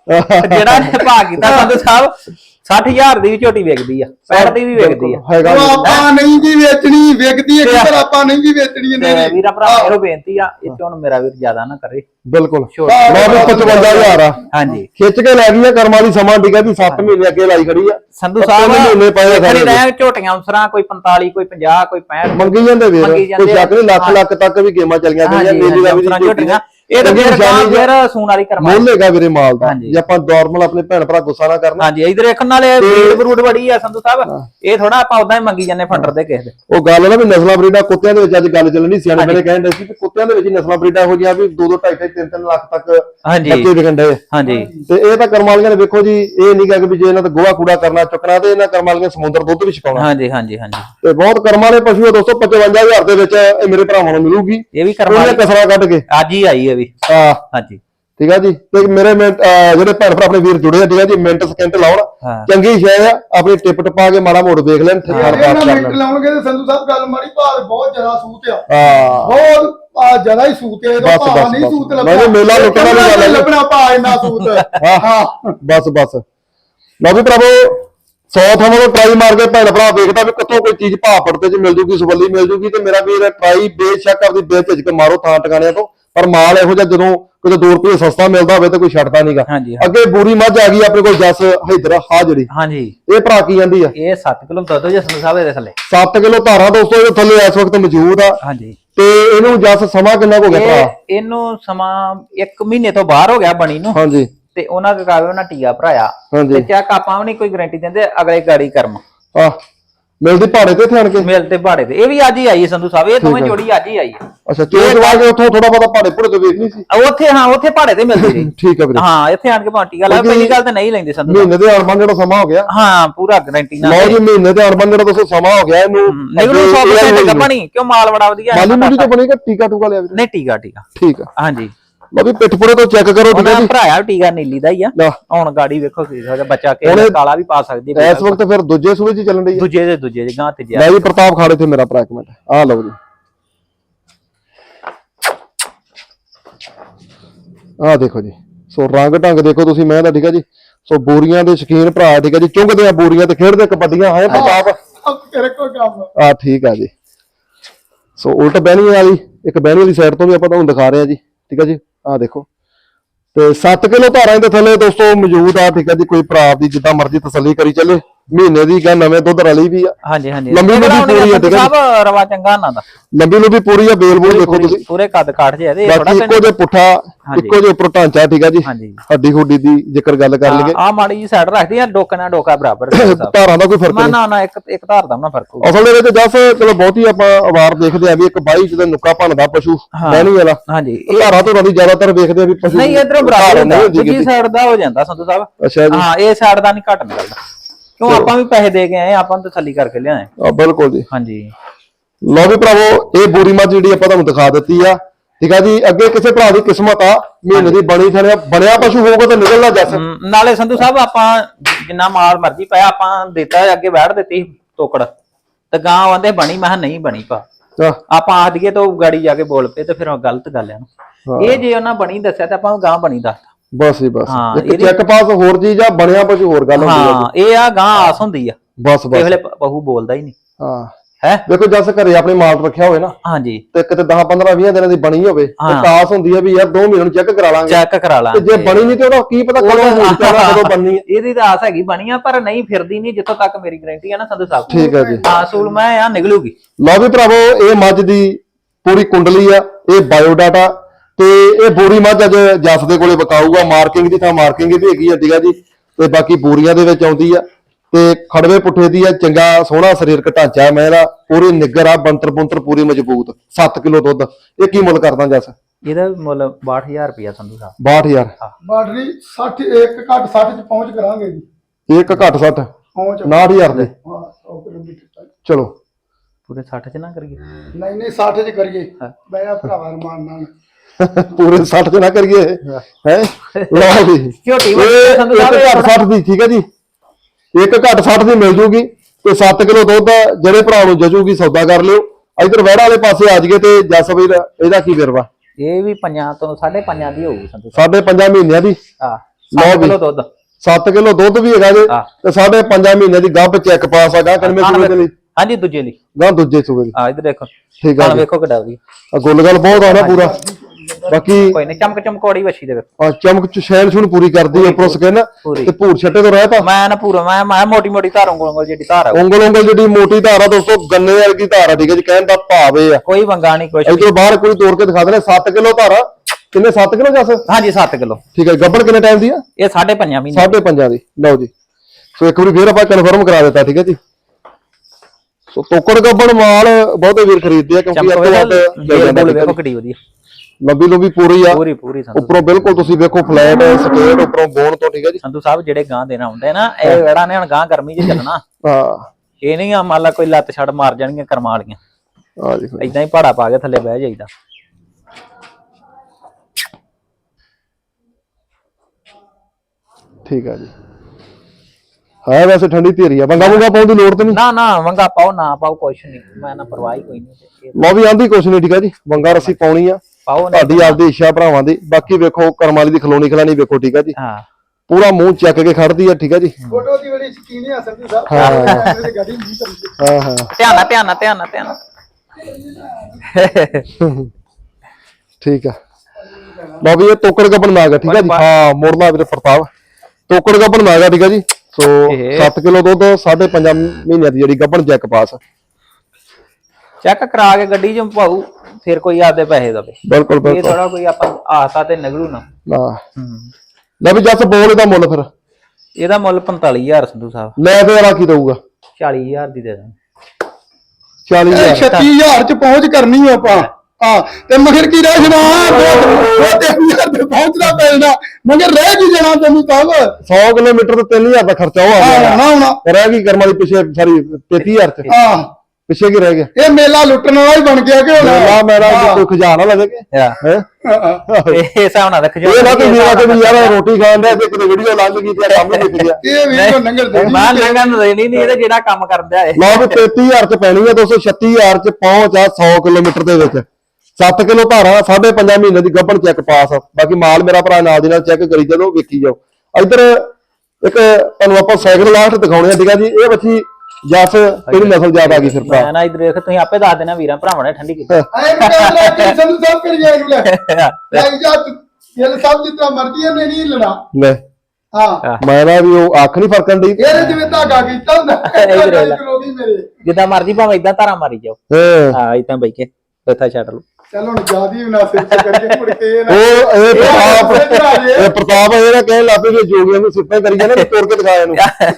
[SPEAKER 2] ਜਿਹੜਾ ਨੇ ਭਾਅ ਕੀਤਾ ਸੰਧੂ ਸਾਹਿਬ ਸੱਠ ਹਜ਼ਾਰ ਦੀ ਵੀ ਝੋਟੀ ਵਿਕਦੀ ਆ, ਪੈਂਹਠ ਦੀ ਵੀ ਵਿਕਦੀ ਆ।
[SPEAKER 1] ਹੈਗਾ
[SPEAKER 3] ਉਹ ਆਪਾਂ ਨਹੀਂ ਜੀ ਵੇਚਣੀ, ਵਿਕਦੀ ਹੈ ਪਰ ਆਪਾਂ ਨਹੀਂ ਜੀ ਵੇਚਣੀ
[SPEAKER 2] ਤੇ
[SPEAKER 3] ਇਹਨੇ
[SPEAKER 2] ਵੀਰਾ ਭਰਾ ਇਹੋ ਬੇਨਤੀ ਆ, ਇਹ ਚ ਹੁਣ ਮੇਰਾ ਵੀਰ ਜ਼ਿਆਦਾ ਨਾ ਕਰੇ।
[SPEAKER 1] ਬਿਲਕੁਲ
[SPEAKER 2] ਛੋਟ-
[SPEAKER 1] ਲਓ ਵੀ ਪਚਵੰਜਾ ਹਜ਼ਾਰ ਆ
[SPEAKER 2] ਹਾਂਜੀ
[SPEAKER 1] ਖਿੱਚ ਕੇ ਲੈ ਗਈ ਆ ਕਰਮ ਵਾਲੀ ਸਮਾਂ ਠੀਕ ਹੈ ਜੀ ਸੱਤ ਮਹੀਨੇ ਅੱਗੇ ਲਾਈ ਖੜੀ ਆ
[SPEAKER 2] ਸੰਧੂ
[SPEAKER 1] ਤਿੰਨ
[SPEAKER 2] ਸਾਹਿਬ
[SPEAKER 1] ਮਹੀਨੇ ਪਏ ਆ ਸਾਰੇ
[SPEAKER 2] ਖਰੀ ਰਹਿ ਝੋਟੀਆਂ ਉਸਰਾਂ ਕੋਈ ਪੰਤਾਲੀ ਕੋਈ ਪੰਜਾਹ ਕੋਈ ਪੈਂਹਠ
[SPEAKER 1] ਮੰਗੀ ਜਾਂਦੇ ਵੀਰ
[SPEAKER 2] ਮੰਗੀ
[SPEAKER 1] ਕੋਈ
[SPEAKER 2] ਜਾਂਦੇ
[SPEAKER 1] ਸ਼ੱਕ ਨਹੀਂ ਲੱਖ
[SPEAKER 2] ਹਾਂ।
[SPEAKER 1] ਲੱਖ ਤੱਕ ਵੀ ਗੇਮਾਂ ਚੱਲੀਆਂ ਗਈਆਂ
[SPEAKER 2] ਹਾਂਜੀ,
[SPEAKER 1] ਮੇਲੀ ਦਾ ਵੀ
[SPEAKER 2] ਉਸਰਾਂ
[SPEAKER 1] ਨਹੀਂ
[SPEAKER 2] ਝੋਟੀਆਂ ਇਹ ਤਾਂ ਫਿਰ ਗਾਂ ਫਿਰ ਸੂਣ ਵਾਲੀ ਕਰਮਾ
[SPEAKER 1] ਮੁੱਲ ਹੈਗਾ ਵੀਰੇ ਮਾਲ ਦਾ
[SPEAKER 2] ਹਾਂਜੀ।
[SPEAKER 1] ਜੇ ਆਪਾਂ ਨਾਰਮਲ ਆਪਣੇ ਭੈਣ ਭਰਾ ਗੁੱਸਾ ਨਾ ਕਰਨਾ
[SPEAKER 2] ਹਾਂਜੀ ਇਧਰ ਦੇਖਣ ਨਾਲੇ ਬਰੀਡ ਬਰੂਡ ਬੜੀ ਆ ਸੰਧੂ ਸਾਹਿਬ, ਇਹ ਥੋੜਾ ਆਪਾਂ ਉਦਾਂ ਹੀ ਮੰਗੀ ਜਾਂਦੇ ਫੰਡਰ ਦੇ ਕਿਸੇ ਦੇ।
[SPEAKER 1] ਉਹ ਗੱਲ ਨਾ ਵੀ ਨਸਲਾਂ ਬਰੀਡਾਂ ਕੁੱਤਿਆਂ ਦੇ ਵਿੱਚ ਅੱਜ ਗੱਲ ਚੱਲਣੀ ਸਿਆਣੇ ਮੇਰੇ ਕਹਿੰਦੇ ਸੀ ਕਿ ਕੁੱਤਿਆਂ ਦੇ ਵਿੱਚ ਹੀ ਨਸਲਾਂ ਬਰੀਡਾਂ ਹੋ ਗਈਆਂ ਵੀ ਦੋ ਦੋ ਢਾਈ ਢਾਈ ਤਿੰਨ ਤਿੰਨ ਲੱਖ ਤੱਕ
[SPEAKER 2] ਹਾਂਜੀ
[SPEAKER 1] ਬੱਚੇ ਵਿਕਣ ਡਏ
[SPEAKER 2] ਹਾਂਜੀ
[SPEAKER 1] ਤੇ ਇਹ ਤਾਂ ਕਰਮ ਵਾਲੀਆਂ ਨੇ ਵੇਖੋ ਜੀ ਇਹ ਨਹੀਂ ਕਿ ਵੀ ਜੇ ਇਹਨਾਂ ਦਾ ਗੋਹਾ ਕੂੜਾ ਕਰਨਾ ਚੁੱਕਣਾ ਤੇ ਇਹਨਾਂ ਕਰਮ ਵਾਲੀਆਂ ਸਮੁੰਦਰ ਦੁੱਧ ਵੀ ਛਕਾਉਣਾ
[SPEAKER 2] ਹਾਂਜੀ ਹਾਂਜੀ ਹਾਂਜੀ
[SPEAKER 1] ਤੇ ਬਹੁਤ ਕਰਮ ਵਾਲੇ ਪਸ਼ੂ ਆ ਦੋਸਤੋ ਪਚਵੰਜਾ ਹਜ਼ਾਰ ਦੇ ਵਿੱਚ ਇਹ ਮੇਰੇ ਭਰਾਵਾਂ ਨੂੰ ਮਿਲੂਗੀ
[SPEAKER 2] ਇਹ ਵੀ ਕਰਮਾ
[SPEAKER 1] ਉਹਨੇ ਕਸਰਾ ਕੱਢ ਕੇ
[SPEAKER 2] ਅੱਜ ਹੀ ਆਈ ਹੈ ਵੀ
[SPEAKER 1] ਆ
[SPEAKER 2] ਹਾਂਜੀ
[SPEAKER 1] ਠੀਕ ਆ ਜੀ ਤੇ ਮੇਰੇ ਮਿੰਟ ਅਹ ਜਿਹੜੇ ਭੈਣ ਭਰਾ ਆਪਣੇ ਵੀਰ ਜੁੜੇ ਆ ਠੀਕ ਆ ਜੀ ਮਿੰਟ ਸਕਿੰਟ ਲਾਉਣ
[SPEAKER 2] ਹਾਂ
[SPEAKER 1] ਚੰਗੀ ਸ਼ੈ ਆ ਆਪਣੀ ਟਿਪ ਟਪਾ ਕੇ ਮਾੜਾ ਮੋੜ ਵੇਖ ਲੈਣ ਤੇ ਖਾਣ ਬਾਤ ਕਰ
[SPEAKER 3] ਮਿੰਟ
[SPEAKER 1] ਲੈਣ
[SPEAKER 3] ਲਾਉਣਗੇ ਤੇ ਸੰਧੂ ਸਾਹਿਬ ਗੱਲ ਮਾੜੀ ਭਾਰ ਬਹੁਤ ਜ਼ਿਆਦਾ ਸੂਤ ਆ
[SPEAKER 1] ਹਾਂ
[SPEAKER 3] ਬਹੁਤ ਆ ਜ਼ਿਆਦਾ ਹੀ ਸੂਤ ਹੈ ਇਹਦਾ
[SPEAKER 1] ਬਸ,
[SPEAKER 3] ਭਾਅ
[SPEAKER 1] ਬਸ,
[SPEAKER 3] ਨਹੀਂ
[SPEAKER 1] ਬਸ।
[SPEAKER 3] ਸੂਤ
[SPEAKER 1] ਨਹੀਂ, ਨਹੀਂ, ਮੇਲਾ ਲੁੱਟਣ ਵਾਲੀ ਗੱਲ ਹੈ।
[SPEAKER 3] ਲੱਭਣਾ ਭਾਅ ਇੰਨਾ ਸੂਤ
[SPEAKER 1] ਹਾਂ
[SPEAKER 3] ਹਾਂ
[SPEAKER 1] ਬਸ ਬਸ ਲਓ ਵੀ ਪ੍ਰਭੂ ਸੌ ਥਾਵਾਂ ਤੋਂ ਟਰਾਈ ਮਾਰ ਕੇ ਭੈਣ ਭਰਾ ਵੇਖਦਾ ਵੀ ਕਿੱਥੋਂ ਕੋਈ ਚੀਜ਼ ਭਾਅ ਪੜਤੇ ਚ ਮਿਲ ਜੂਗੀ ਸਵੱਲੀ ਮਿਲ ਜੂਗੀ ਤੇ ਮੇਰਾ ਵੀਰ ਟਰਾਈ ਬੇਸ਼ੱਕ ਆਪਦੀ ਬੇਝਿਜਕ ਮਾਰੋ ਥਾਂ ਟਿਕਾਣਿਆਂ ਤੋਂ ਪਰ ਮਾਲ ਇਹੋ ਜਿਹਾ ਜਦੋਂ ਕਿਤੇ ਦੋ ਰੁਪਏ ਸਸਤਾ ਮਿਲਦਾ ਹੋਵੇ ਤਾਂ ਕੋਈ ਛੱਡਦਾ ਨਹੀਂਗਾ
[SPEAKER 2] ਹਾਂਜੀ
[SPEAKER 1] ਅੱਗੇ ਬੂਰੀ ਮੱਝ ਆ ਗਈ ਆਪਣੇ ਕੋਲ ਜਸ ਹੈਦਰ ਹਾਜਰੀ
[SPEAKER 2] ਹਾਂਜੀ
[SPEAKER 1] ਇਹ ਭਰਾ ਕੀ ਜਾਂਦੀ ਆ
[SPEAKER 2] ਇਹ ਸੱਤ ਕਿਲੋ ਦੁੱਧ ਜੇ ਸੰਧੂ ਸਾਹਿਬ ਇਹਦੇ ਥੱਲੇ
[SPEAKER 1] ਸੱਤ ਕਿਲੋ ਧਾਰਾ ਦੋਸਤੋ ਇਹਦੇ ਥੱਲੇ ਇਸ ਵਕਤ ਮੌਜੂਦ ਆ
[SPEAKER 2] ਹਾਂਜੀ
[SPEAKER 1] ਤੇ ਇਹਨੂੰ ਜਸ ਸਮਾਂ ਕਿੰਨਾ ਕੁ ਹੋ ਗਿਆ
[SPEAKER 2] ਇਹ
[SPEAKER 1] ਭਰਾ
[SPEAKER 2] ਇਹਨੂੰ ਸਮਾਂ ਇੱਕ ਮਹੀਨੇ ਤੋਂ ਬਾਹਰ ਹੋ ਗਿਆ ਬਣੀ ਨੂੰ
[SPEAKER 1] ਹਾਂਜੀ
[SPEAKER 2] ਤੇ ਉਹਨਾਂ ਦੇ ਕਾਵੇ ਉਹਨਾਂ ਟੀਆ ਭਰਾਇਆ
[SPEAKER 1] ਹਾਂਜੀ
[SPEAKER 2] ਤੇ ਚੈੱਕ ਆਪਾਂ ਵੀ ਨਹੀਂ ਕੋਈ ਗਾਰੰਟੀ ਦਿੰਦੇ ਅਗਲੇ ਗਾੜੀ ਕਰਮ
[SPEAKER 1] ਆ ਮਿਲਦੀ ਭਾੜੇ ਤੇ ਇੱਥੇ ਆਣ ਕੇ
[SPEAKER 2] ਮਿਲ ਤੇ ਬਾੜੇ ਤੇ ਇਹ ਵੀ ਅੱਜ ਹੀ ਆਈ ਹੈ ਸੰਧੂ ਸਾਹਿਬ ਇਹ ਦੋਵੇਂ ਜੋੜੀ ਅੱਜ ਹੀ ਆਈ ਹੈ
[SPEAKER 1] ਅੱਛਾ ਚੋਰ ਜਵਾ ਕੇ ਉੱਥੋਂ ਥੋੜਾ ਬਹੁਤਾ ਭਾੜੇ ਭੁੜੇ ਤੋਂ ਵੇਖਣੀ ਸੀ
[SPEAKER 2] ਆ ਉੱਥੇ ਹਾਂ ਉੱਥੇ ਬਾੜੇ ਤੇ ਮਿਲਦੀ ਰਹੀ
[SPEAKER 1] ਠੀਕ ਆ ਵੀਰੇ
[SPEAKER 2] ਹਾਂ ਇੱਥੇ ਆਣ ਕੇ ਭਾਂ ਟੀਕਾ ਲਾ ਪਹਿਲੀ ਗੱਲ ਤੇ ਨਹੀਂ ਲੈਂਦੇ ਸੰਧੂ ਸਾਹਿਬ।
[SPEAKER 1] ਮਹੀਨੇ ਦੇ ਅਣਬਣ ਜਿਹੜਾ ਸਮਾਂ ਹੋ ਗਿਆ
[SPEAKER 2] ਹਾਂ ਪੂਰਾ ਗਾਰੰਟੀ ਨਾਲ
[SPEAKER 1] ਲਓ ਜੀ ਮਹੀਨੇ ਦੇ ਅਣਬਣ ਜਿਹੜਾ ਦੋਸਤੋ ਸਮਾਂ ਹੋ ਗਿਆ ਇਹਨੂੰ
[SPEAKER 2] ਨਿਕਲੂ ਸੌ ਪਰਸੈਂਟ ਗੱਬਣੀ ਕਿਉਂ ਮਾਲ ਬੜਾ ਵਧੀਆ
[SPEAKER 1] ਮਾਲੀ ਮੁਲੀ ਤੋਂ ਬਣੇਗਾ ਟੀਕਾ ਟੂਕਾ ਲਿਆ ਵੀਰੇ
[SPEAKER 2] ਨਹੀਂ ਟੀਕਾ ਟੀਕਾ
[SPEAKER 1] ਠੀਕ ਆ
[SPEAKER 2] ਹਾਂਜੀ
[SPEAKER 1] ਲਓ ਵੀ ਪਿੱਠ ਪੁੜੇ ਤੋਂ ਚੈੱਕ ਕਰੋ ਠੀਕ
[SPEAKER 2] ਉਹਨਾਂ
[SPEAKER 1] ਆ ਜੀ
[SPEAKER 2] ਭਰਾਇਆ ਵੀ ਟੀਕਾ ਨੀਲੀ ਦਾ ਹੀ ਆ
[SPEAKER 1] ਲਓ,
[SPEAKER 2] ਹੁਣ ਗਾੜੀ ਵੇਖੋ ਕੀ ਸਕਦਾ ਬੱਚਾ ਕਿ
[SPEAKER 1] ਉਹਨੇ-
[SPEAKER 2] ਕਾਲਾ ਵੀ ਪਾ ਸਕਦੀ ਹੈ
[SPEAKER 1] ਇਸ ਵਕਤ ਫਿਰ ਦੂਜੇ ਸੂਬੇ 'ਚ ਹੀ ਚੱਲਣ ਡਈ ਹੈ
[SPEAKER 2] ਦੂਜੇ ਦੇ ਦੂਜੇ ਦੇ ਗਾਂ ਤੇ
[SPEAKER 1] ਲੈ ਜੀ ਪ੍ਰਤਾਪ ਖਾੜੇ ਤੇ ਮੇਰਾ ਭਰਾ ਇੱਕ ਮਿੰਟ ਆ ਲਓ ਜੀ ਆ ਦੇਖੋ ਜੀ ਸੋ ਰੰਗ ਢੰਗ ਦੇਖੋ ਤੁਸੀਂ ਮੈਂ ਤਾਂ ਠੀਕ ਆ ਜੀ ਸੋ ਬੋਰੀਆਂ ਦੇ ਸ਼ਕੀਨ ਭਰਾ ਠੀਕ ਆ ਜੀ ਚੁੰਗਦੇ ਆ ਬੋਰੀਆਂ ਤੇ ਖੇਡਦੇ ਕਬੱਡੀਆਂ ਹੈ ਪ੍ਰਤਾਪ
[SPEAKER 3] ਸਭ ਤੇਰੇ ਕੋਲ ਕੰਮ
[SPEAKER 1] ਆ ਠੀਕ ਆ ਜੀ ਸੋ ਉਲਟ ਬਹਿਣੀ ਵਾਲੀ ਇੱਕ ਬਹਿਣੀ ਵਾਲੀ ਸਾਈਡ ਤੋਂ ਵੀ ਆਪਾਂ ਤੁਹਾਨੂੰ ਦਿਖਾ ਰਹੇ ਆ ਜੀ ਠੀਕ ਆ ਜੀ ਆ ਦੇਖੋ ਤੇ ਸੱਤ ਕਿਲੋ ਧਾਰਾਂ ਦੇ ਥੱਲੇ ਦੋਸਤੋ ਮੌਜੂਦ ਆ ਠੀਕ ਆ ਜੀ ਕੋਈ ਭਰਾ ਦੀ ਜਿੱਦਾਂ ਮਰਜ਼ੀ ਤਸੱਲੀ ਕਰੀ ਚੱਲੇ ਮਹੀਨੇ ਦੀ ਗਾ ਨਵੇਂ ਦੁੱਧ ਰਲੀ ਵੀ ਆ
[SPEAKER 2] ਹਾਂਜੀ ਹਾਂਜੀ
[SPEAKER 1] ਲੰਬੀ ਲੰਬੀ ਪੂਰੀ ਆ ਠੀਕ ਆ
[SPEAKER 2] ਸਭ ਰਵਾ ਚੰਗਾ ਨਾ ਦਾ
[SPEAKER 1] ਲੰਬੀ ਲੰਬੀ ਪੂਰੀ ਆ ਬੇਲ ਬੂਲ ਦੇਖੋ ਤੁਸੀਂ
[SPEAKER 2] ਪੂਰੇ ਕੱਦ ਕਾਠ ਜੇ ਇਹਦੇ
[SPEAKER 1] ਬਾਕੀ ਇੱਕੋ ਜੇ ਪੁੱਠਾ ਇੱਕੋ ਜੇ ਉੱਪਰ ਢਾਂਚਾ ਠੀਕ ਆ ਜੀ
[SPEAKER 2] ਹਾਂਜੀ
[SPEAKER 1] ਹੱਡੀ ਹੁੱਡੀ ਦੀ ਜੇਕਰ ਗੱਲ ਕਰ ਲਈਏ
[SPEAKER 2] ਆ ਮਾੜੀ ਜੀ ਸਾਈਡ ਰੱਖਦੀ ਆ ਡੋਕਾ ਨਾਲ ਡੋਕਾ ਬਰਾਬਰ
[SPEAKER 1] ਧਾਰਾਂ ਦਾ ਕੋਈ ਫਰਕ
[SPEAKER 2] ਨਾ
[SPEAKER 1] ਨਹੀਂ
[SPEAKER 2] ਨਾ ਨਾ ਇੱਕ ਇੱਕ ਧਾਰ ਦਾ ਨਾ ਫਰਕ ਹੋਊ
[SPEAKER 1] ਅਸਲ ਦੇ ਵਿੱਚ ਜਸ ਚਲੋ ਬਹੁਤੀ ਆਪਾਂ ਅਵਾਰ ਦੇਖਦੇ ਆ ਵੀ ਇੱਕ ਬਾਈ ਜਿਹਦਾ ਨੁੱਕਾ ਭੰਨਦਾ ਪਸ਼ੂ ਬਹਿਣੀ ਵਾਲਾ
[SPEAKER 2] ਹਾਂਜੀ
[SPEAKER 1] ਧਾਰਾਂ ਧੁਰਾਂ ਦੀ ਜ਼ਿਆਦਾਤਰ ਵੇਖਦੇ ਆ ਵੀ ਪਸ਼ੂ
[SPEAKER 2] ਨਹੀਂ ਇਧਰੋਂ ਬਰਾਬਰ ਹੁੰਦਾ ਦੂਜੀ ਸਾਈਡ ਦਾ ਹੋ ਜਾਂਦਾ ਸੰਧੂ ਸਾਹਿਬ
[SPEAKER 1] ਅੱਛਾ ਜੀ
[SPEAKER 2] ਹਾਂ ਇਹ ਸਾਈਡ ਦਾ ਨਹੀਂ ਘੱਟ ਨਿਕਲਦਾ ਕਿਉਂ ਆਪਾਂ ਵੀ ਪੈਸੇ ਦੇ ਕੇ ਆਏ ਆਪਾਂ ਨੂੰ ਤਸੱਲੀ ਕਰਕੇ ਲਿਆਏ
[SPEAKER 1] ਆ ਬਿਲਕੁਲ ਜੀ
[SPEAKER 2] ਹਾਂਜੀ
[SPEAKER 1] ਲਓ ਵੀ ਭਰਾਵੋ ਇਹ ਬੂਰੀ ਮੱਝ ਜਿਹੜੀ ਆਪਾਂ ਤੁਹਾਨੂੰ ਦਿਖਾ ਦਿੱਤੀ ਆ ਠੀਕ ਆ ਜੀ ਅੱਗੇ ਕਿਸੇ ਭਰਾ ਦੀ ਕਿਸਮਤ ਆ ਮਹੀਨੇ ਦੀ ਬਣੀ ਥਣਿਆ ਬਣਿਆ ਪਸ਼ੂ ਹੋਊਗਾ ਤਾਂ ਨਿਕਲਣਾ ਜੱਸ
[SPEAKER 2] ਹਮ, ਨਾਲੇ ਸੰਧੂ ਸਾਹਿਬ ਆਪਾਂ ਜਿੰਨਾ ਮਾਲ ਮਰਜ਼ੀ ਪਾਇਆ ਆਪਾਂ ਦਿੱਤਾ ਅੱਗੇ ਵੈੜ ਦਿੱਤੀ ਤੋਕੜ ਤੇ ਗਾਂ ਆਂਦੇ ਬਣੀ ਮੈਂ ਕਿਹਾ ਨਹੀਂ ਬਣੀ ਭਾ
[SPEAKER 1] ਆਹ,
[SPEAKER 2] ਆਪਾਂ ਆਖ ਦਈਏ ਤਾਂ ਗਾੜੀ ਜਾ ਕੇ ਬੋਲ ਪਏ ਤੇ ਫਿਰ ਉਹ ਗਲਤ ਗੱਲ ਆ ਨਾ ਇਹ ਜੇ ਉਹਨਾਂ ਬਣੀ ਦੱਸਿਆ ਤੇ ਆਪਾਂ ਗਾਂ ਬਣੀ ਦੱਸਦਾ
[SPEAKER 1] ਬਸ ਜੀ ਬਸ
[SPEAKER 2] ਹਾਂ,
[SPEAKER 1] ਇੱਕ
[SPEAKER 2] ਇਹਦੀ-
[SPEAKER 1] ਚੈੱਕ ਪਾਸ ਹੋਰ ਚੀਜ਼ ਆ ਬਣਿਆ ਪਸ਼ੂ ਹੋਰ ਗੱਲ ਹੁੰਦੀ ਆ
[SPEAKER 2] ਹਾਂ ਇਹ ਆ ਗਾਂ ਆਸ ਹੁੰਦੀ ਆ
[SPEAKER 1] ਬਸ
[SPEAKER 2] ਇਹ
[SPEAKER 1] ਬਸ
[SPEAKER 2] ਵੇਲੇ ਬਹੂ ਬੋਲਦਾ ਹੀ ਨਹੀਂ
[SPEAKER 1] ਹਾਂ
[SPEAKER 2] ਹੈ
[SPEAKER 1] ਦੇਖੋ ਜੱਸ ਘਰੇ ਆਪਣੇ ਮਾਲ ਰੱਖਿਆ ਹੋਵੇ ਨਾ
[SPEAKER 2] ਹਾਂਜੀ
[SPEAKER 1] ਤੇ ਕਿਤੇ ਦਸ ਪੰਦਰਾਂ ਵੀਹ ਦਿਨਾਂ ਦੀ ਬਣੀ ਹੋਵੇ ਤੇ
[SPEAKER 2] ਹਾਂ।
[SPEAKER 1] ਕਾਸ ਹੁੰਦੀ ਆ ਵੀ ਯਾਰ ਦੋ ਮਹੀਨੇ ਨੂੰ ਚੈੱਕ ਕਰਾ ਲਾਂਗੇ
[SPEAKER 2] ਚੈੱਕ ਕਰਾ ਲਾਂ
[SPEAKER 1] ਤੇ ਜੇ ਬਣੀ ਨਹੀਂ ਤੇ ਉਹਦਾ ਕੀ ਪਤਾ ਕਦੋਂ ਹੋਣੀ ਚਾਹਣਾ ਕਦੋਂ ਬਣਨੀ ਹੈ
[SPEAKER 2] ਇਹਦੀ ਤਾਂ ਆਸ ਹੈਗੀ ਬਣੀ ਆ ਪਰ ਨਹੀਂ ਫਿਰਦੀ ਨਹੀਂ ਜਿੱਥੋਂ ਤੱਕ ਮੇਰੀ ਗਾਰੰਟੀ ਆ ਨਾ ਸੰਧੂ ਸਾਹਿਬ
[SPEAKER 1] ਠੀਕ ਹੈ ਜੀ
[SPEAKER 2] ਹਾਂ ਸੂਲ ਮੈਂ ਆ ਨਿਕਲੂਗੀ
[SPEAKER 1] ਲਓ ਵੀ ਭਰਾਵੋ ਇਹ ਮੱਝ ਦੀ ਪੂਰੀ ਕੁੰਡਲੀ ਆ ਇਹ ਬਾਇਓਡਾਟਾ ਤੇ ਇਹ ਬੋਰੀ ਮੱਝ ਅੱਜ ਜੱਸ ਦੇ ਕੋਲੇ ਬਕਾਊਗਾ ਮਾਰਕਿੰਗ ਦੀ ਤਾਂ ਮਾਰਕਿੰਗ ਵੀ ਹੈਗੀ ਆ ਠੀਕ ਆ ਜੀ ਤੇ ਬਾਕੀ ਬੋਰੀਆਂ ਦੇ ਵਿੱਚ ਆਉਂਦੀ ਆ ਤੇ ਖੜਵੇ ਪੁੱਠੇ ਦੀ ਆ ਚੰਗਾ ਸੋਹਣਾ ਸਰੀਰਕ ਢਾਂਚਾ ਮੈਂ ਇਹਦਾ ਪੂਰੀ ਨਿੱਗਰ ਆ ਬੰਤਰ ਬੰਤਰ ਪੂਰੀ ਮਜ਼ਬੂਤ ਸੱਤ ਕਿਲੋ ਦੁੱਧ ਇਹ ਕੀ ਮੁੱਲ ਕਰਦਾ ਜੱਸ
[SPEAKER 2] ਇਹਦਾ ਮੁੱਲ ਬਾਹਠ ਹਜ਼ਾਰ ਰੁਪਇਆ ਸੰਧੂ ਸਾਹਿਬ
[SPEAKER 1] ਬਾਹਠ ਹਜ਼ਾਰ
[SPEAKER 3] ਬਾਟਰੀ ਸੱਠ ਇੱਕ ਘੱਟ ਸੱਠ ਚ ਪਹੁੰਚ ਕਰਾਂਗੇ ਜੀ
[SPEAKER 1] ਇੱਕ ਘੱਟ ਸੱਠ
[SPEAKER 3] ਪਹੁੰਚ
[SPEAKER 1] ਉਨਾਹਠ ਹਜ਼ਾਰ ਦੇ
[SPEAKER 3] ਹਾਂ ਸੌ ਕਿਲੋਮੀਟਰ ਤੱਕ
[SPEAKER 1] ਚਲੋ
[SPEAKER 2] ਪੂਰੇ ਸੱਠ ਚ ਨਾ ਕਰੀਏ
[SPEAKER 3] ਨਹੀਂ ਨਹੀਂ ਸੱਠ ਚ ਕਰੀਏ ਮੈਂ ਭਰਾਵਾ ਰਮਾਨ ਨਾਲ
[SPEAKER 1] ਪੂਰੇ ਸੱਠ ਚ ਨਾ ਕਰੀਏ ਹੈ ਲਓ ਜੀ
[SPEAKER 2] ਝੋਟੀ
[SPEAKER 1] ਇਹ
[SPEAKER 2] ਵਾਲੀ ਸੰਧੂ
[SPEAKER 1] ਇੱਕ
[SPEAKER 2] ਸਾਹਿਬ
[SPEAKER 1] ਘੱਟ ਸੱਠ ਦੀ ਠੀਕ ਹੈ ਜੀ ਇੱਕ ਘੱਟ ਸੱਠ ਦੀ ਮਿਲ ਜੂਗੀ ਤੇ ਸੱਤ ਕਿਲੋ ਦੁੱਧ ਜਿਹੜੇ ਭਰਾ ਨੂੰ ਜਜੂਗੀ ਸੌਦਾ ਕਰ ਲਿਓ ਇਧਰ ਵਹਿੜਾ ਵਾਲੇ ਪਾਸੇ ਆ ਜਾਈਏ ਤੇ ਜੱਸ ਵੀਰ ਇਹਦਾ ਕੀ ਵਿਰਵਾ
[SPEAKER 2] ਇਹ ਵੀ ਪੰਜਾਂ ਤੋਂ ਸਾਢੇ ਪੰਜਾਂ ਦੀ ਹੋਊਗੀ ਸੰਧੂ ਸਾਹਿਬ
[SPEAKER 1] ਸਾਢੇ ਪੰਜਾਂ ਮਹੀਨਿਆਂ ਦੀ
[SPEAKER 2] ਹਾਂ ਸੱਤ ਕਿਲੋ ਦੁੱਧ
[SPEAKER 1] ਸੱਤ ਕਿਲੋ ਦੁੱਧ ਵੀ ਹੈਗਾ ਜੇ
[SPEAKER 2] ਹਾਂ।
[SPEAKER 1] ਤੇ ਸਾਢੇ ਪੰਜਾਂ ਮਹੀਨੇ ਦੀ ਗੱਭ ਚੈੱਕ ਪਾਸ ਹੈਗਾ ਕਿੰਨੇ ਸੂਬੇ ਦੇ ਲਈ
[SPEAKER 2] ਹਾਂਜੀ ਦੂਜੇ ਲਈ
[SPEAKER 1] ਗਾਂ ਦੂਜੇ ਸੂਬੇ ਲਈ
[SPEAKER 2] ਆ ਇਧਰ ਦੇਖੋ
[SPEAKER 1] ਠੀਕ ਆ
[SPEAKER 2] ਹਾਂ
[SPEAKER 1] ਜੀ
[SPEAKER 2] ਵੇਖੋ ਕਿੱਡਾ ਵਧੀਆ
[SPEAKER 1] ਆ ਗੁੱਲ ਗੱਲ ਬਹੁਤ ਆ ਨਾ ਪੂਰਾ ਬਾਕੀ
[SPEAKER 2] ਕੋਈ ਨਹੀਂ ਚਮਕ ਚਮਕੌੜੀ ਵੱਛੀ ਦੇ ਵੇਖੋ
[SPEAKER 1] ਆ ਚਮਕ ਚ ਸ਼ੈਨ ਸ਼ੂਨ ਪੂਰੀ ਕਰਦੀ ਉੱਪਰੋਂ ਸਕਿਨ
[SPEAKER 2] ਪੂਰੀ।
[SPEAKER 1] ਤੇ ਭੂਰ ਛੱਟੇ ਤੋਂ ਰਹਿ ਤਾਂ
[SPEAKER 2] ਮੈਂ ਨਾ ਪੂਰਾ ਮੈਂ ਮੈਂ ਮੋਟੀ ਮੋਟੀ ਧਾਰ ਉਂਗਲ ਉਂਗਲ ਜਿਹੜੀ ਧਾਰ ਆ
[SPEAKER 1] ਉਂਗਲ ਉਂਗਲ ਜਿਹੜੀ ਮੋਟੀ ਧਾਰ ਆ ਦੋਸਤੋ ਗੰਨੇ ਵਰਗੀ ਧਾਰ ਆ ਠੀਕ ਹੈ ਜੀ ਕਹਿਣ ਦਾ ਭਾਵ ਇਹ ਆ
[SPEAKER 2] ਕੋਈ ਵੰਗਾ ਨਹੀਂ ਕੁਛ
[SPEAKER 1] ਇਧਰੋਂ ਬਾਹਰ ਕੋਈ ਤੋੜ ਕੇ ਦਿਖਾ ਦੇਣਾ ਸੱਤ ਕਿਲੋ ਧਾਰਾ ਕਿੰਨੇ ਸੱਤ ਕਿਲੋ ਜੱਸ
[SPEAKER 2] ਹਾਂਜੀ ਸੱਤ ਕਿਲੋ
[SPEAKER 1] ਠੀਕ ਹੈ ਗੱਬੜ ਕਿੰਨੇ ਟਾਈਮ ਦੀ ਆ
[SPEAKER 2] ਇਹ ਸਾਢੇ ਪੰਜਾਂ ਮਹੀਨੇ
[SPEAKER 1] ਸਾਢੇ ਪੰਜਾਂ ਦੀ ਲਓ ਜੀ ਸੋ ਇੱਕ ਵਾਰੀ ਫੇਰ ਆਪਾਂ ਕਨਫਰਮ ਕਰਾ ਦਿੱਤਾ ਠੀਕ ਹੈ ਜੀ ਸੋ ਟੋਕੜ ਗੱਬੜ ਮਾਲ ਬਹੁਤੇ ਵੀਰ ਖਰੀਦਦੇ ਆ ਕਿਉਂਕਿ
[SPEAKER 2] ਚਮਕ
[SPEAKER 1] ਇਹ ਤੋਂ ਵੱਧ ਮਿਲ ਜਾਂਦਾ
[SPEAKER 2] ਵੇਖੋ ਵੇਖੋ ਕਿੱਡੀ ਵਧੀਆ
[SPEAKER 1] ਲੰਬੀ ਲੰਬੀ ਪੂਰੀ ਆ
[SPEAKER 2] ਪੂਰੀ ਪੂਰੀ ਸੰਧੂ
[SPEAKER 1] ਉੱਪਰੋਂ ਬਿਲਕੁਲ ਤੁਸੀਂ ਵੇਖੋ ਫਲੈਟ ਸਟੇਟ ਉੱਪਰੋਂ ਬੋਨ ਤੋਂ ਠੀਕ ਹੈ ਜੀ
[SPEAKER 2] ਸੰਧੂ ਸਾਹਿਬ ਜਿਹੜੇ ਗਾਂ ਦੇਣਾ ਹੁੰਦੇ ਨਾ ਇਹ ਵੇੜਾ ਨੇ ਹੁਣ ਗਾਂ ਗਰਮੀ 'ਚ ਚੱਲਣਾ
[SPEAKER 1] ਹਾਂ
[SPEAKER 2] ਇਹ ਨਹੀਂ ਆ ਮੰਨ ਲਾ ਕੋਈ ਲੱਤ ਛੜ ਮਾਰ ਜਾਣਗੀਆਂ ਕਰਮਾਂ ਵਾਲੀਆਂ
[SPEAKER 1] ਆ ਦੇਖੋ
[SPEAKER 2] ਇਦਾਂ ਹੀ ਪਹਾੜਾ ਪਾ ਕੇ ਥੱਲੇ ਬਹਿ ਜਾਈਦਾ
[SPEAKER 1] ਠੀਕ ਆ ਜੀ ਹਾਂ ਵੈਸੇ ਠੰਡੀ ਧੀਰੀ ਆ ਬੰਗਾ ਬੰਗਾ ਪਾਉਣ ਦੀ ਲੋੜ ਤੇ ਨਹੀਂ
[SPEAKER 2] ਨਾ ਨਾ ਵੰਗਾ ਪਾਓ ਨਾ ਪਾਓ ਕੁਛ ਨਹੀਂ ਮੈਂ ਨਾ ਪਰਵਾਹ ਹੀ ਕੋਈ ਨਹੀਂ
[SPEAKER 1] ਲਓ ਵੀ ਆਂਦੀ ਕੁਛ ਨਹੀਂ ਠੀਕ ਆ ਜੀ ਬੰਗਾ ਰੱਸੀ ਪਾਉਣੀ ਆ
[SPEAKER 2] ਪਾਓ ਨਾ
[SPEAKER 1] ਤੁਹਾਡੀ ਆਪਦੀ ਇੱਛਾ ਭਰਾਵਾਂ ਦੀ ਬਾਕੀ ਵੇਖੋ ਕਰਮਾਲੀ ਦੀ ਖਲੋਣੀ ਖਲਾਣੀ ਵੇਖੋ ਠੀਕ ਆ ਜੀ
[SPEAKER 2] ਹਾਂ
[SPEAKER 1] ਪੂਰਾ ਮੂੰਹ ਚੱਕ ਕੇ ਖੜਦੀ ਆ ਠੀਕ ਆ ਜੀ
[SPEAKER 3] ਫੋਟੋ ਦੀ ਬੜੀ ਸ਼ਕੀਨ ਹੈ ਸੰਧੂ ਸਾਹਿਬ ਗੱਡੀ ਨਹੀਂ ਕਰਦੀ
[SPEAKER 1] ਹਾਂ ਹਾਂ
[SPEAKER 2] ਧਿਆਨ ਨਾਲ ਧਿਆਨ ਨਾਲ ਧਿਆਨ ਨਾਲ ਧਿਆਨ ਨਾਲ
[SPEAKER 1] ਠੀਕ ਆ ਲਓ ਵੀ ਇਹ ਤੋਕੜ ਗੱਬਣ ਨਾਗਾ ਠੀਕ ਆ ਜੀ ਹਾਂ ਮੋੜਨਾ ਵੀਰੇ ਪ੍ਰਤਾਪ ਤੋਕੜ ਗੱਬਣ ਨਾਗਾ ਠੀਕ ਆ ਜੀ ਸੋ
[SPEAKER 2] ਇਹ-
[SPEAKER 1] ਸੱਤ ਕਿਲੋ ਦੁੱਧ ਸਾਢੇ ਪੰਜਾਂ ਮਹੀਨਿਆਂ ਦੀ ਜਿਹੜੀ ਗੱਬਣ ਚੈੱਕ ਪਾਸ
[SPEAKER 2] ਚੈੱਕ ਕਰਾ ਕੇ ਗੱਡੀ 'ਚ ਪਾਉ ਫਿਰ ਕੋਈ ਆਪਦੇ ਪੈਸੇ ਦਵੇ
[SPEAKER 1] ਬਿਲਕੁਲ
[SPEAKER 2] ਇਹ
[SPEAKER 1] ਬਿਲਕੁਲ
[SPEAKER 2] ਥੋੜਾ ਕੋਈ ਆਪਾਂ ਆਸਾ ਤੇ ਨਗੜੂ ਨਾ
[SPEAKER 1] ਨਾ ਲੈ ਵੀ ਜੱਸ ਬੋਲ ਇਹਦਾ ਮੁੱਲ ਫਿਰ
[SPEAKER 2] ਇਹਦਾ ਮੁੱਲ ਪੰਤਾਲੀ ਹਜ਼ਾਰ ਸੰਧੂ ਸਾਹਿਬ
[SPEAKER 1] ਲੈ ਤੇ ਵਾਲਾ ਕੀ ਦਊਗਾ
[SPEAKER 2] ਚਾਲੀ ਹਜ਼ਾਰ ਦੀ ਦੇ ਦਾਂ
[SPEAKER 1] ਚਾਲੀ ਹਜ਼ਾਰ
[SPEAKER 3] ਛੱਤੀ ਹਜ਼ਾਰ ਚ ਪਹੁੰਚ ਕਰਨੀ ਆ ਆਪਾਂ ਹਾਂ ਤੇ ਮਗਰ ਕੀ ਰਹਿ ਜਾਣਾ ਦੋ ਤਿੰਨ ਹਜ਼ਾਰ ਤੇ ਪਹੁੰਚਣਾ ਪੈਣਾ ਮਗਰ ਰਹਿ ਕੀ ਜਾਣਾ ਤੈਨੂੰ ਤਾਂ
[SPEAKER 1] ਸੌ ਕਿਲੋਮੀਟਰ ਤੇ ਤਿੰਨ ਹਜ਼ਾਰ ਦਾ ਖਰਚਾ ਉਹ ਆ
[SPEAKER 3] ਹਾਂ
[SPEAKER 1] ਗਿਆ
[SPEAKER 3] ਨਾ ਹੋਣਾ
[SPEAKER 1] ਰਹਿ ਗਈ ਕਰਮ ਵਾਲੀ ਪਿੱਛੇ ਸਾਰੀ ਤੇਤੀ ਹਜ਼ਾਰ ਚ
[SPEAKER 3] ਹਾਂ
[SPEAKER 1] ਪਿੱਛੇ ਕੀ ਰਹਿ ਗਿਆ
[SPEAKER 3] ਇਹ ਮੇਲਾ ਲੁੱਟਣ ਵਾਲਾ ਹੀ ਬਣ ਗਿਆ ਕਿ ਹੁਣ
[SPEAKER 1] ਮੇਰਾ ਮੇਰਾ
[SPEAKER 3] ਹਾਂ।
[SPEAKER 1] ਕੋਈ ਖਜ਼ਾਨਾ ਲਵੇ ਕੇ
[SPEAKER 2] ਹਾਂ
[SPEAKER 1] ਹੈ
[SPEAKER 2] ਇਹ ਹਿਸਾਬ ਨਾਲ ਰੱਖ
[SPEAKER 1] ਇਹ ਨਾ ਕਿ ਮੇਰਾ ਤੇ ਵੀ ਯਾਰ ਰੋਟੀ ਖਾਣ ਦਾ ਤੇ ਕਿਤੇ ਵੀਡੀਓ ਲੰਘ ਗਈ ਤੇ ਕੰਮ ਹੀ ਨਿਕਲ ਗਿਆ
[SPEAKER 3] ਇਹ ਵੀ ਕੋ ਨੰਗਰ ਦੇ
[SPEAKER 2] ਮੈਂ ਲੰਗਣ ਨੂੰ ਦੇਣੀ ਨਹੀਂ ਇਹਦਾ ਜਿਹੜਾ ਕੰਮ ਕਰਦਾ ਇਹ
[SPEAKER 1] ਲਓ ਵੀ ਤੇਤੀ ਹਜ਼ਾਰ ਚ ਪੈਣੀ ਹੈ ਦੋ ਸੌ ਛੱਤੀ ਹਜ਼ਾਰ ਚ ਪਹੁੰਚ ਆ ਸੌ ਕਿਲੋਮੀਟਰ ਦੇ ਵਿੱਚ ਸੱਤ ਕਿਲੋ ਧਾਰਾ ਸਾਢੇ ਪੰਜਾਂ ਮਹੀਨੇ ਦੀ ਗੱਭਣ ਚੈੱਕ ਪਾਸ ਬਾਕੀ ਮਾਲ ਮੇਰਾ ਭਰਾ ਨਾਲ ਦੀ ਨਾਲ ਚੈੱਕ ਕਰੀ ਜਦੋਂ ਵੇਖੀ ਜਾਓ ਇੱਧਰ ਇੱਕ ਤੁਹਾਨੂੰ ਆਪਾਂ ਸੈਕਿੰਡ ਲਾਸਟ ਦਿਖਾਉਣੇ ਆ ਠੀਕ ਆ ਜੀ ਇਹ ਬੱਚੀ ਜੱਸ ਕਿਹੜੀ ਨਸਲ ਜ਼ਿਆਦਾ ਆ ਗਈ ਫਿਰ ਭਰਾ
[SPEAKER 2] ਮੈਂ ਨਾ ਇਧਰ ਦੇਖ ਤੁਸੀਂ ਆਪੇ ਦੱਸ ਦੇਣਾ ਵੀਰਾਂ ਭਰਾਵਾਂ ਨੇ ਠੰਡੀ ਕੀਤੀ
[SPEAKER 3] ਆਏ ਨੂੰ ਕਹਿ ਲੈ ਕਿ ਸੰਧੂ ਸਾਹਿਬ ਕਰ ਗਿਆ ਇਹਨੂੰ ਲੈ ਲੈ ਜਾ ਇਹ ਸਭ ਜਿੱਦਾਂ ਮਰਦੀ ਹੈ ਨਹੀਂ ਲੈਣਾ
[SPEAKER 1] ਲੈ
[SPEAKER 3] ਹਾਂ
[SPEAKER 1] ਮੈਂ ਨਾ ਵੀ ਉਹ ਅੱਖ ਨਹੀਂ ਫਰਕਣ ਦੀ
[SPEAKER 3] ਇਹਦੇ ਜਿਵੇਂ ਧਾਗਾ ਕੀਤਾ ਹੁੰਦਾ
[SPEAKER 2] ਇਹ ਵੀ ਲੈ।
[SPEAKER 3] ਕਿਲੋ ਦੀ ਮੇਰੇ
[SPEAKER 2] ਜਿੱਦਾਂ ਮਰਜੀ ਭਾਵੇਂ ਇਦਾਂ ਧਾਰਾ ਮਾਰੀ ਜਾਓ
[SPEAKER 1] ਹਾਂ
[SPEAKER 2] ਹਾਂ ਇਦਾਂ ਬਈ ਕੇ ਇੱਥਾ ਛੱਡ ਲਓ
[SPEAKER 3] ਚਲ ਹੁਣ ਜਿਆਦੀ ਮੁਨਾਸਿਬ ਚ ਕਰਕੇ ਮੁੜ ਕੇ ਇਹ ਨਾ
[SPEAKER 1] ਉਹ ਇਹ ਪ੍ਰਤਾਪ
[SPEAKER 3] ਇਹ ਭਰਾ ਜੇ।
[SPEAKER 1] ਇਹ ਪ੍ਰਤਾਪ ਇਹ ਨਾ ਕਹਿਣ ਲੱਗ ਪਏ ਵੀ ਜੋਗੀਆਂ ਨੂੰ ਸਿੱਪੇ ਕਰੀ ਜਾਂਦੇ ਨੇ ਤੋੜ ਕੇ ਦਿਖਾਇਆ ਇਹਨੂੰ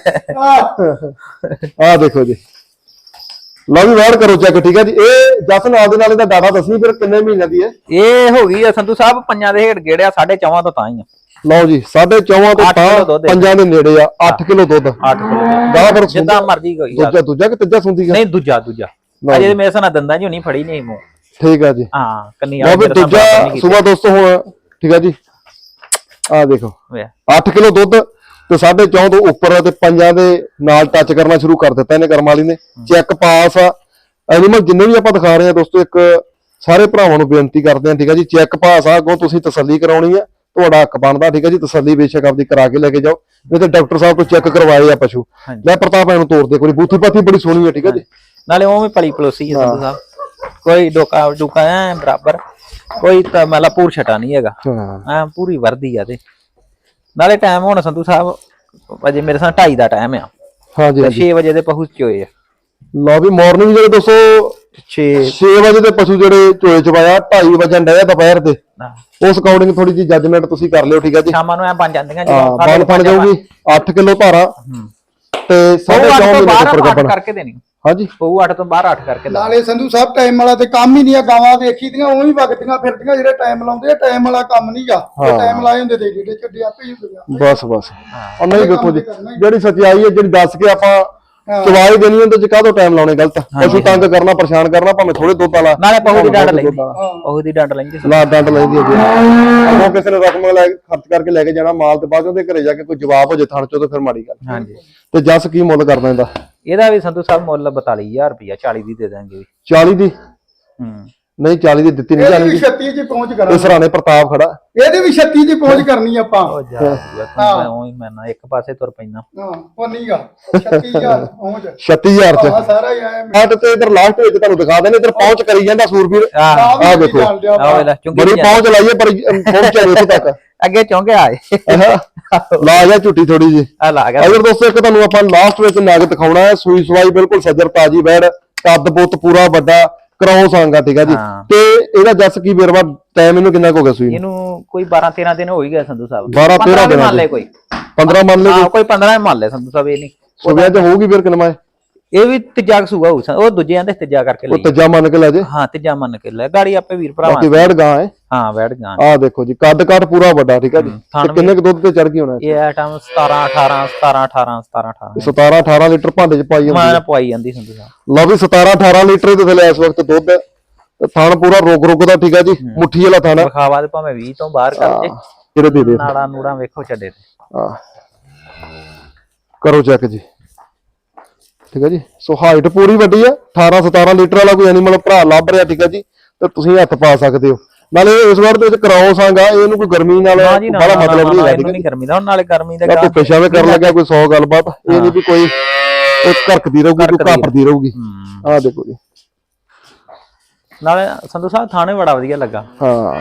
[SPEAKER 3] ਹਾਂ
[SPEAKER 1] ਆਹ ਦੇਖੋ ਜੀ ਲਓ ਵੀ ਵਾਰ ਕਰੋ ਚੈੱਕ ਠੀਕ ਹੈ ਜੀ ਇਹ ਜਸ ਨਾਲ ਦੇ ਨਾਲ ਇਹਦਾ ਡਾਟਾ ਦੱਸੀ ਫਿਰ ਕਿੰਨੇ ਮਹੀਨਿਆਂ ਦੀ ਹੈ
[SPEAKER 2] ਇਹ ਹੋ ਗਈ ਆ ਸੰਧੂ ਸਾਹਿਬ ਪੰਜਾਂ ਦੇ ਹੇਠ ਗੇੜਿਆ ਸਾਢੇ ਚੌਵਾਂ ਤੋਂ ਤਾਂ ਹੀ ਆ
[SPEAKER 1] ਲਓ ਜੀ ਸਾਢੇ ਚੌਵਾਂ ਤੋਂ
[SPEAKER 2] ਅੱਠ ਕਿਲੋ
[SPEAKER 1] ਤਾਂ
[SPEAKER 2] ਦੁੱਧ ਹੈ।
[SPEAKER 1] ਪੰਜਾਂ ਦੇ ਨੇੜੇ ਆ ਅੱਠ ਕਿਲੋ ਦੁੱਧ
[SPEAKER 2] ਅੱਠ ਕਿਲੋ
[SPEAKER 1] ਗਾਹ ਫਿਰ
[SPEAKER 2] ਜਿੱਦਾਂ ਮਰਜੀ ਕੋਈ
[SPEAKER 1] ਦੂਜਾ ਦੂਜਾ ਕਿ ਤੀਜਾ ਸੁੰਦੀ
[SPEAKER 2] ਨਹੀਂ ਦੂਜਾ ਦੂਜਾ
[SPEAKER 1] ਲਓ
[SPEAKER 2] ਅਜੇ ਮੇਰੇ ਸਾਨਾ ਦੰਦਾਂ ਜੀ ਨਹੀਂ ਫੜੀ ਨਹੀਂ ਮੂੰਹ
[SPEAKER 1] ਠੀਕ ਆ ਜੀ
[SPEAKER 2] ਹਾਂ ਕੰਨੀ
[SPEAKER 1] ਲਓ ਵੀ ਦੂਜਾ ਸੁਬਾ ਦੋਸਤੋ ਹੁਣ ਠੀਕ ਆ ਜੀ ਆਹ ਦੇਖੋ ਅੱਠ ਕਿਲੋ ਦੁੱਧ ਤੇ ਸਾਢੇ ਚੌਂ ਤੋਂ ਉੱਪਰ ਤੇ ਪੰਜਾਂ ਦੇ ਨਾਲ ਟੱਚ ਕਰਨਾ ਸ਼ੁਰੂ ਕਰ ਦਿੱਤਾ ਇਹਨੇ ਕਰਮ ਵਾਲੀ ਨੇ ਚੈੱਕ ਪਾਸ ਆ ਐਨੀਮਲ ਜਿੰਨੇ ਵੀ ਆਪਾਂ ਦਿਖਾ ਰਹੇ ਆ ਦੋਸਤੋ ਇੱਕ ਸਾਰੇ ਭਰਾਵਾਂ ਨੂੰ ਬੇਨਤੀ ਕਰਦੇ ਆ ਠੀਕ ਆ ਜੀ ਚੈੱਕ ਪਾਸ ਆ ਅੱਗੋਂ ਤੁਸੀਂ ਤਸੱਲੀ ਕਰਾਉਣੀ ਆ ਤੁਹਾਡਾ ਹੱਕ ਬਣਦਾ ਠੀਕ ਆ ਜੀ ਤਸੱਲੀ ਬੇਸ਼ੱਕ ਆਪਦੀ ਕਰਾ ਕੇ ਲੈ ਕੇ ਜਾਓ ਨਹੀਂ ਤੇ ਡਾਕਟਰ ਸਾਹਿਬ ਤੋਂ ਚੈੱਕ ਕਰਵਾਏ ਆ ਪਸ਼ੂ ਲੈ ਪ੍ਰਤਾਪ ਇਹਨੂੰ ਤੋੜ ਦੇ ਕੋਈ ਬੂਥੀ ਪਾਥੀ ਬੜੀ ਸੋਹਣੀ ਆ ਠੀਕ ਆ ਜੀ
[SPEAKER 2] ਨਾਲੇ ਉਹ ਵੀ ਪਲੀ ਪਲੋਸੀ ਹੈ ਸੰਧੂ ਸਾਹਿਬ ਕੋਈ ਡੋਕਾ ਡੁਕਾ ਐ ਬਰਾਬਰ ਕੋਈ ਤਾਂ ਮਤਲਬ ਪੂਰ ਛਟਾ ਨਹੀਂ ਹੈਗਾ
[SPEAKER 1] ਹਾਂ
[SPEAKER 2] ਐ ਪੂਰੀ ਵਰਦੀ ਆ ਤੇ ਨਾਲੇ ਟਾਈਮ ਹੁਣ ਸੰਧੂ ਸਾਹਿਬ ਅਜੇ ਮੇਰੇ ਸਾਹ ਢਾਈ ਦਾ ਟਾਈਮ ਆ
[SPEAKER 1] ਹਾਂਜੀ
[SPEAKER 2] ਤੇ ਛੇ ਵਜੇ ਦੇ ਪਹੁੰਚ ਚੋਏ ਆ
[SPEAKER 1] ਲਓ ਵੀ ਮਾਰਨਿੰਗ ਜਿਹੜੇ ਦੋਸਤੋ
[SPEAKER 2] ਛੇ
[SPEAKER 1] ਛੇ ਵਜੇ ਦੇ ਪਸ਼ੂ ਜਿਹੜੇ ਚੋਏ ਚਵਾਇਆ ਢਾਈ ਵਜੇ ਡਿਆ ਦੁਪਹਿਰ ਦੇ ਉਸ ਅਕੋਰਡਿੰਗ ਥੋੜੀ ਜੀ ਜੱਜਮੈਂਟ ਤੁਸੀਂ ਕਰ ਲਿਓ ਠੀਕ ਆ ਜੀ
[SPEAKER 2] ਸ਼ਾਮਾਂ ਨੂੰ ਐ ਬਣ ਜਾਂਦੀਆਂ
[SPEAKER 1] ਹਾਂ ਬਣ ਫਣ ਜਾਊਗੀ ਅੱਠ ਕਿਲੋ ਧਾਰਾ ਤੇ ਸਾਢੇ ਚੌਂ ਮਹੀਨੇ ਦੇ ਉੱਪਰ ਗੱਬਣ
[SPEAKER 2] ਕਰਕੇ ਦੇਣੀ
[SPEAKER 1] ਹਾਂਜੀ
[SPEAKER 2] ਪਊ ਅੱਠ ਤੋਂ ਬਾਹਰ ਅੱਠ ਕਰਕੇ ਲਾ
[SPEAKER 3] ਨਾਲੇ ਸੰਧੂ ਸਾਹਿਬ ਟਾਈਮ ਵਾਲਾ ਤੇ ਕੰਮ ਹੀ ਨਹੀਂ ਆ ਗਾਵਾਂ ਵੇਖੀ ਦੀਆਂ ਉਹ ਹੀ ਵਗਦੀਆਂ ਫਿਰਦੀਆਂ ਜਿਹੜੇ ਟਾਈਮ ਲਾਉਂਦੇ ਆ ਟਾਈਮ ਵਾਲਾ ਕੰਮ ਨਹੀਂਗਾ ਉਹ ਟਾਈਮ ਲਾਏ ਹੁੰਦੇ ਤੇ ਜਿਹੜੇ ਚੱਡੇ ਆਪੇ ਹੀ ਹੁੰਦੇ
[SPEAKER 1] ਬਸ ਬਸ ਉਹ ਨਹੀਂ ਵੇਖੋ ਜੀ ਜਿਹੜੀ ਸੱਚਾਈ ਹੈ ਜਿਹੜੀ ਦੱਸ ਕੇ ਆਪਾਂ ਚਵਾਈ ਦੇਣੀ ਹੁੰਦੀ ਚ ਕਾਹਦੋਂ ਟਾਈਮ ਲਾਉਣੇ ਗਲਤ ਪਸ਼ੂ ਤੰਗ ਕਰਨਾ ਪਰੇਸ਼ਾਨ ਕਰਨਾ ਭਾਵੇਂ ਥੋੜੇ ਦੁੱਧ ਵਾਲਾ
[SPEAKER 2] ਨਾਲੇ ਪਹੂ ਦੀ ਡੰਡ ਲੈਂਦੀ ਪਹੂ ਦੀ ਡੰਡ ਲੈਂਦੀ
[SPEAKER 1] ਨਾ ਡੰਡ ਲੈਂਦੀ ਹੈ ਉਹ ਕਿਸੇ ਨੇ ਰਕਮ ਲੈ ਕੇ ਖਰਚ ਕਰਕੇ ਲੈ ਕੇ ਜਾਣਾ ਮਾਲ ਤੇ ਬਾਅਦ ਉਹਦੇ ਘਰੇ ਜਾ ਕੇ ਕੋਈ ਜਵਾਬ ਹੋ ਜੇ ਥਣ ਚੋਂ ਤੇ ਫਿਰ ਮਾੜੀ ਗੱਲ
[SPEAKER 2] ਹਾਂਜੀ
[SPEAKER 1] ਤੇ ਜੱਸ ਕੀ ਮੁੱਲ ਕਰਦਾ ਇਹਦਾ
[SPEAKER 2] ਇਹਦਾ ਵੀ ਸੰਧੂ ਸਾਹਿਬ ਮੁੱਲ ਬਤਾਲੀ ਹਜ਼ਾਰ ਰੁਪਇਆ ਚਾਲੀ ਦੀ ਦੇ ਦਾਂਗੇ
[SPEAKER 1] ਚਾਲੀ ਦੀ
[SPEAKER 2] ਹੂੰ
[SPEAKER 1] ਨਹੀਂ ਚਾਲੀ ਦੀ ਦਿੱਤੀ ਨਹੀਂ
[SPEAKER 3] ਇਹਦੀ
[SPEAKER 1] ਜਾਣੀ
[SPEAKER 3] ਵੀ ਛੱਤੀ ਚ ਪਹੁੰਚ
[SPEAKER 1] ਤੇ
[SPEAKER 3] ਕਰਾਂਗੇ,
[SPEAKER 1] ਸਰਾਣੇ ਪ੍ਰਤਾਪ ਖੜਾ
[SPEAKER 3] ਇਹਦੀ ਵੀ ਛੱਤੀ ਚ ਪਹੁੰਚ ਕਰਨੀ ਆਪਾਂ।
[SPEAKER 2] ਉਹ ਜਾ ਮੈਂ ਉਹੀ ਮੈਂ ਨਾ ਇੱਕ ਪਾਸੇ ਤੁਰ ਪੈਣਾ।
[SPEAKER 3] ਹਾਂ ਉਹ ਨਹੀਂਗਾ ਛੱਤੀ ਹਜ਼ਾਰ ਪਹੁੰਚ
[SPEAKER 1] ਛੱਤੀ ਹਜ਼ਾਰ ਚ
[SPEAKER 3] ਆ ਸਾਰਾ ਹੀ ਆਇਆ
[SPEAKER 1] ਆਟ ਤੇ ਇਧਰ ਲਾਸਟ ਵਿੱਚ ਤੁਹਾਨੂੰ ਦਿਖਾ ਦੇਣੇ ਇਧਰ ਪਹੁੰਚ ਕਰੀ ਜਾਂਦਾ ਸੂਰਬੀਰ
[SPEAKER 2] ਆਹ
[SPEAKER 3] ਆ
[SPEAKER 1] ਦੇਖੋ।
[SPEAKER 2] ਆਹ ਵੇਲਾ ਚੁੰਗੀ
[SPEAKER 1] ਬੜੀ ਪਹੁੰਚ ਲਾਈਏ ਪਰ ਪਹੁੰਚਿਆ ਨਹੀਂ ਇੱਥੇ ਤੱਕ
[SPEAKER 2] ਅੱਗੇ ਚੌਂਕੇ ਆਏ
[SPEAKER 1] ਲਾ ਜਾ ਝੁੱਟੀ ਥੋੜੀ ਜੀ।
[SPEAKER 2] ਆ ਲਾ ਗਿਆ
[SPEAKER 1] ਅਗਰ ਦੋਸਤੋ ਇੱਕ ਤੁਹਾਨੂੰ ਆਪਾਂ ਲਾਸਟ ਵਿੱਚ ਨਗ ਦਿਖਾਉਣਾ ਹੈ, ਸੂਈ ਸਵਾਈ ਬਿਲਕੁਲ ਸੱਜਰ ਤਾਜੀ ਵੈੜ, ਕੱਦ ਪੁੱਤ ਪੂਰਾ ਵੱਡਾ ਕਰਾਉ ਸੰਗਾ, ਠੀਕ ਹੈ ਜੀ।
[SPEAKER 2] ਹਾਂ।
[SPEAKER 1] ਤੇ ਇਹਦਾ ਜੱਸ ਕੀ ਬੇਰਵਾ ਟਾਈਮ ਇਹਨੂੰ ਕਿੰਨਾ ਕੁ ਹੋ ਗਿਆ ਸੂਈ ਨੂੰ?
[SPEAKER 2] ਇਹਨੂੰ ਕੋਈ ਬਾਰਾਂ ਤੇਰਾਂ ਦਿਨ ਹੋ ਹੀ ਗਏ ਸੰਧੂ ਸਾਹਿਬ।
[SPEAKER 1] ਬਾਰਾਂ ਤੇਰਾਂ ਦਿਨ
[SPEAKER 2] ਮੰਨ ਲੈ ਕੋਈ
[SPEAKER 1] ਪੰਦਰਾਂ ਮੰਨ ਲੈ
[SPEAKER 2] ਹਾਂ ਕੋਈ ਪੰਦਰਾਂ ਮੰਨ ਲੈ ਸੰਧੂ ਸਾਹਿਬ। ਇਹ ਨਹੀਂ
[SPEAKER 1] ਸੁਬਿਆ ਚ ਹੋਊਗੀ ਫਿਰ ਕਿੰਨਾ?
[SPEAKER 2] ਇਹ ਵੀ ਤੀਜਾ ਕਸੂਗਾ ਹੋਊ, ਉਹ ਦੂਜੇ ਆਂਦੇ ਤੀਜਾ ਕਰਕੇ
[SPEAKER 1] ਉਹ
[SPEAKER 2] ਲਈ।
[SPEAKER 1] ਤੀਜਾ ਮੰਨ ਕੇ ਲੈ ਜੇ।
[SPEAKER 2] ਹਾਂ ਤੀਜਾ ਮੰਨ ਕੇ ਲੈ ਗਾੜੀ ਆਪੇ ਵੀਰ ਭਰਾਵਾਂ
[SPEAKER 1] ਬਾਕੀ ਵੈੜ ਗਾਂ ਹੈ।
[SPEAKER 2] ਹਾਂ ਵੈੜ ਗਾਂ
[SPEAKER 1] ਆਹ ਦੇਖੋ ਜੀ ਕੱਦ ਕੱਟ ਪੂਰਾ ਵੱਡਾ, ਠੀਕ ਹੈ ਜੀ।
[SPEAKER 2] ਥਣ
[SPEAKER 1] ਤੇ ਕਿੰਨੇ ਕੁ ਦੁੱਧ ਤੇ ਚੜ ਗਈ ਹੋਣਾ?
[SPEAKER 2] ਇਹ ਆਈਟਮ ਸਤਾਰਾਂ ਅਠਾਰਾਂ ਸਤਾਰਾਂ ਅਠਾਰਾਂ ਸਤਾਰਾਂ ਅਠਾਰਾਂ
[SPEAKER 1] ਸਤਾਰਾਂ ਅਠਾਰਾਂ ਲੀਟਰ ਭਾਂਡੇ ਚ ਪਾਈ ਹੁੰਦੀ
[SPEAKER 2] ਮੈਂ ਪਵਾਈ ਜਾਂਦੀ ਸੰਧੂ ਸਾਹਿਬ।
[SPEAKER 1] ਲਓ ਵੀ ਸਤਾਰਾਂ ਅਠਾਰਾਂ ਲੀਟਰ ਦੇ ਥੱਲੇ ਇਸ ਵਕਤ ਦੁੱਧ ਹੈ ਤੇ ਥਣ ਪੂਰਾ ਰੁਕ ਰੁਕ ਦਾ, ਠੀਕ ਹੈ ਜੀ। ਮੁੱਠੀ ਵਾਲਾ ਥਣ ਹੈ।
[SPEAKER 2] ਵਿਖਾਵਾ ਤੇ ਭਾਵੇਂ ਵੀਹ ਤੋਂ ਬਾਹਰ ਕਰ ਜੇ।
[SPEAKER 1] ਇਹਦੇ ਦੇ ਦੇ
[SPEAKER 2] ਨਾੜਾ ਨੂੜਾ ਵੇਖੋ ਛੱਡੇ ਤੇ।
[SPEAKER 1] ਆਹ ਕਰੋ ਚੈੱਕ ਜੀ, ਠੀਕ ਹੈ ਜੀ। ਸੋ ਹਾਈਟ ਪੂਰੀ ਵੱਡੀ ਹੈ। ਅਠਾਰਾਂ ਸਤਾਰਾਂ ਲੀਟਰ ਵਾਲਾ ਕੋਈ ਐਨੀਮਲ ਭਰਾ ਲੱਭ ਰਿਹਾ, ਠੀਕ ਹੈ ਜੀ, ਤੇ ਤੁਸੀਂ ਹੱਥ ਪਾ ਸਕਦੇ ਹੋ। ਨਾਲੇ ਇਸ ਵਾਰ ਦੇ ਵਿੱਚ ਕਰਾਉਸ ਆਂਗਾ, ਇਹਨੂੰ ਕੋਈ ਗਰਮੀ ਨਾਲ
[SPEAKER 2] ਨਾ ਜੀ ਨਾ
[SPEAKER 1] ਬੜਾ ਮਤਲਬ ਨਹੀਂ ਹੈਗਾ,
[SPEAKER 2] ਇਹਨੂੰ ਨਹੀਂ ਗਰਮੀ ਦਾ। ਹੁਣ ਨਾਲੇ ਗਰਮੀ ਦਾ
[SPEAKER 1] ਜਾਂ ਧੁੱਪੇ ਛਾਵੇਂ ਕਰਨ ਲੱਗਿਆ ਕੋਈ ਸੌ ਗੱਲਬਾਤ, ਇਹ ਨਹੀਂ ਵੀ ਕੋਈ ਇੱਕ ਘਰਕਦੀ ਰਹੂਗੀ ਕੋਈ ਘਾਪਰਦੀ ਰਹੂਗੀ। ਆਹ ਦੇਖੋ ਜੀ,
[SPEAKER 2] ਨਾਲੇ ਸੰਧੂ ਸਾਹਿਬ ਥਾਣੇ ਬੜਾ ਵਧੀਆ ਲੱਗਾ।
[SPEAKER 1] ਹਾਂ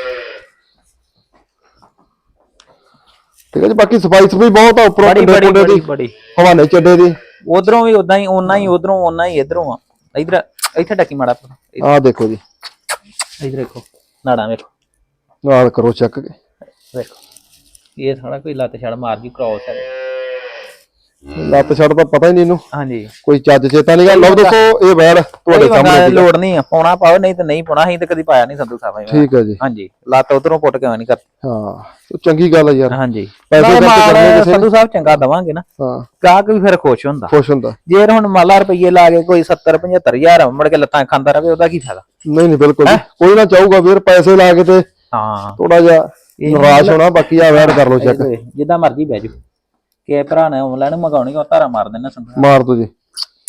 [SPEAKER 1] ਠੀਕ ਹੈ ਜੀ। ਬਾਕੀ ਸਫਾਈ ਸਫਾਈ ਬਹੁਤ ਆ, ਉੱਪਰੋਂ
[SPEAKER 2] ਬੜੀ
[SPEAKER 1] ਕੰਡੇ
[SPEAKER 2] ਬੜੀ
[SPEAKER 1] ਕੁੰਡੇ
[SPEAKER 2] ਬੜੀ
[SPEAKER 1] ਦੀ
[SPEAKER 2] ਬੜੀ
[SPEAKER 1] ਹਵਾਨੇ ਚੱਡੇ ਦੀ।
[SPEAKER 2] ਉਧਰੋਂ ਵੀ ਉਦਾਂ ਹੀ ਓਨਾ ਹੀ ਉਧਰੋਂ ਓਨਾ ਹੀ ਇਧਰੋਂ ਆ। ਇਧਰ ਇੱਥੇ ਟੱਕੀ ਮਾੜਾ
[SPEAKER 1] ਆਹ ਦੇਖੋ ਜੀ,
[SPEAKER 2] ਇਧਰ ਦੇਖੋ ਨਾੜਾ ਵੇਖੋ
[SPEAKER 1] ਨਾਲ ਕਰੋ ਚੈੱਕ।
[SPEAKER 2] ਵੇਖੋ ਇਹ ਸਾਡਾ ਕੋਈ ਲੱਤ ਛੜ ਮਾਰ ਗਈ ਕ੍ਰੋਸ ਹੈ।
[SPEAKER 1] ਲੱਤ ਛੱਡ ਤਾਂ ਪਤਾ ਹੀ ਨਹੀਂ ਇਹਨੂੰ,
[SPEAKER 2] ਹਾਂਜੀ
[SPEAKER 1] ਕੋਈ ਚੱਜ ਚੇਤਾ ਨਹੀਂ ਗਾ। ਲਓ ਦੱਸੋ ਇਹ ਵੈੜ ਤੁਹਾਡੇ
[SPEAKER 2] ਕੋਈ
[SPEAKER 1] ਸਾਹਮਣੇ,
[SPEAKER 2] ਲੋੜ ਨਹੀਂ ਆ ਪਾਉਣਾ ਪਾਓ, ਨਹੀਂ ਤੇ ਨਹੀਂ ਪਾਉਣਾ। ਅਸੀਂ ਤੇ ਕਦੀ ਪਾਇਆ ਨਹੀਂ ਸੰਧੂ ਸਾਹਿਬ।
[SPEAKER 1] ਠੀਕ ਹੈ ਜੀ।
[SPEAKER 2] ਹਾਂਜੀ ਲੱਤ ਉਧਰੋਂ ਪੁੱਟ ਕੇ ਨਹੀਂ ਕਰ।
[SPEAKER 1] ਹਾਂ ਤੇ ਚੰਗੀ ਗੱਲ ਹੈ ਯਾਰ।
[SPEAKER 2] ਹਾਂਜੀ
[SPEAKER 1] ਪੈਸੇ
[SPEAKER 2] ਨਾਲੇ
[SPEAKER 1] ਖਰਚ
[SPEAKER 2] ਮਾਲ
[SPEAKER 1] ਕਰਨੇ ਕਿਸੇ ਨੇ।
[SPEAKER 2] ਸੰਧੂ ਸਾਹਿਬ ਚੰਗਾ ਦਵਾਂਗੇ ਨਾ,
[SPEAKER 1] ਹਾਂ
[SPEAKER 2] ਗਾਹਕ ਵੀ ਫਿਰ ਖੁਸ਼ ਹੁੰਦਾ।
[SPEAKER 1] ਖੁਸ਼ ਹੁੰਦਾ।
[SPEAKER 2] ਜੇ ਹੁਣ ਮਾਲਾ ਰੁਪਈਏ ਲਾ ਕੇ ਕੋਈ ਸੱਤਰ ਪਝੱਤਰ ਹਜ਼ਾਰ ਮੁੜ ਕੇ ਲੱਤਾਂ ਖਾਂਦਾ ਰਵੇ, ਉਹਦਾ ਕੀ ਫਾਇਦਾ?
[SPEAKER 1] ਨਹੀਂ ਨਹੀਂ ਬਿਲਕੁਲ ਜੀ। ਕੋਈ ਨਾ ਚਾਹੂਗਾ ਵੀਰ ਪੈਸੇ ਲਾ ਕੇ ਤੇ
[SPEAKER 2] ਹਾਂ
[SPEAKER 1] ਥੋੜਾ ਜਿਹਾ ਨਿਰਾਸ਼ ਹੋਣਾ। ਬਾਕੀ ਆ ਵੈੜ ਕਰ ਲੋ ਚੈੱਕ,
[SPEAKER 2] ਜਿੱਦਾਂ ਮਰਜੀ ਬਹਿ ਜਾਓ। ਕਿ ਭਰਾ ਨੇ ਆਨਲਾਈਨ ਮੰਗਾਉਣੀ ਉਹ ਧਾਰਾ ਮਾਰ ਦੇਣਾ ਸੰਧੂ।
[SPEAKER 1] ਮਾਰ ਦੋ ਜੀ।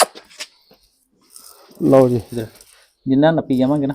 [SPEAKER 1] ਲਓ ਜੀ,
[SPEAKER 2] ਜਿੰਨਾ ਨੱਪੀ ਜਾਵਾਂਗੇ ਨਾ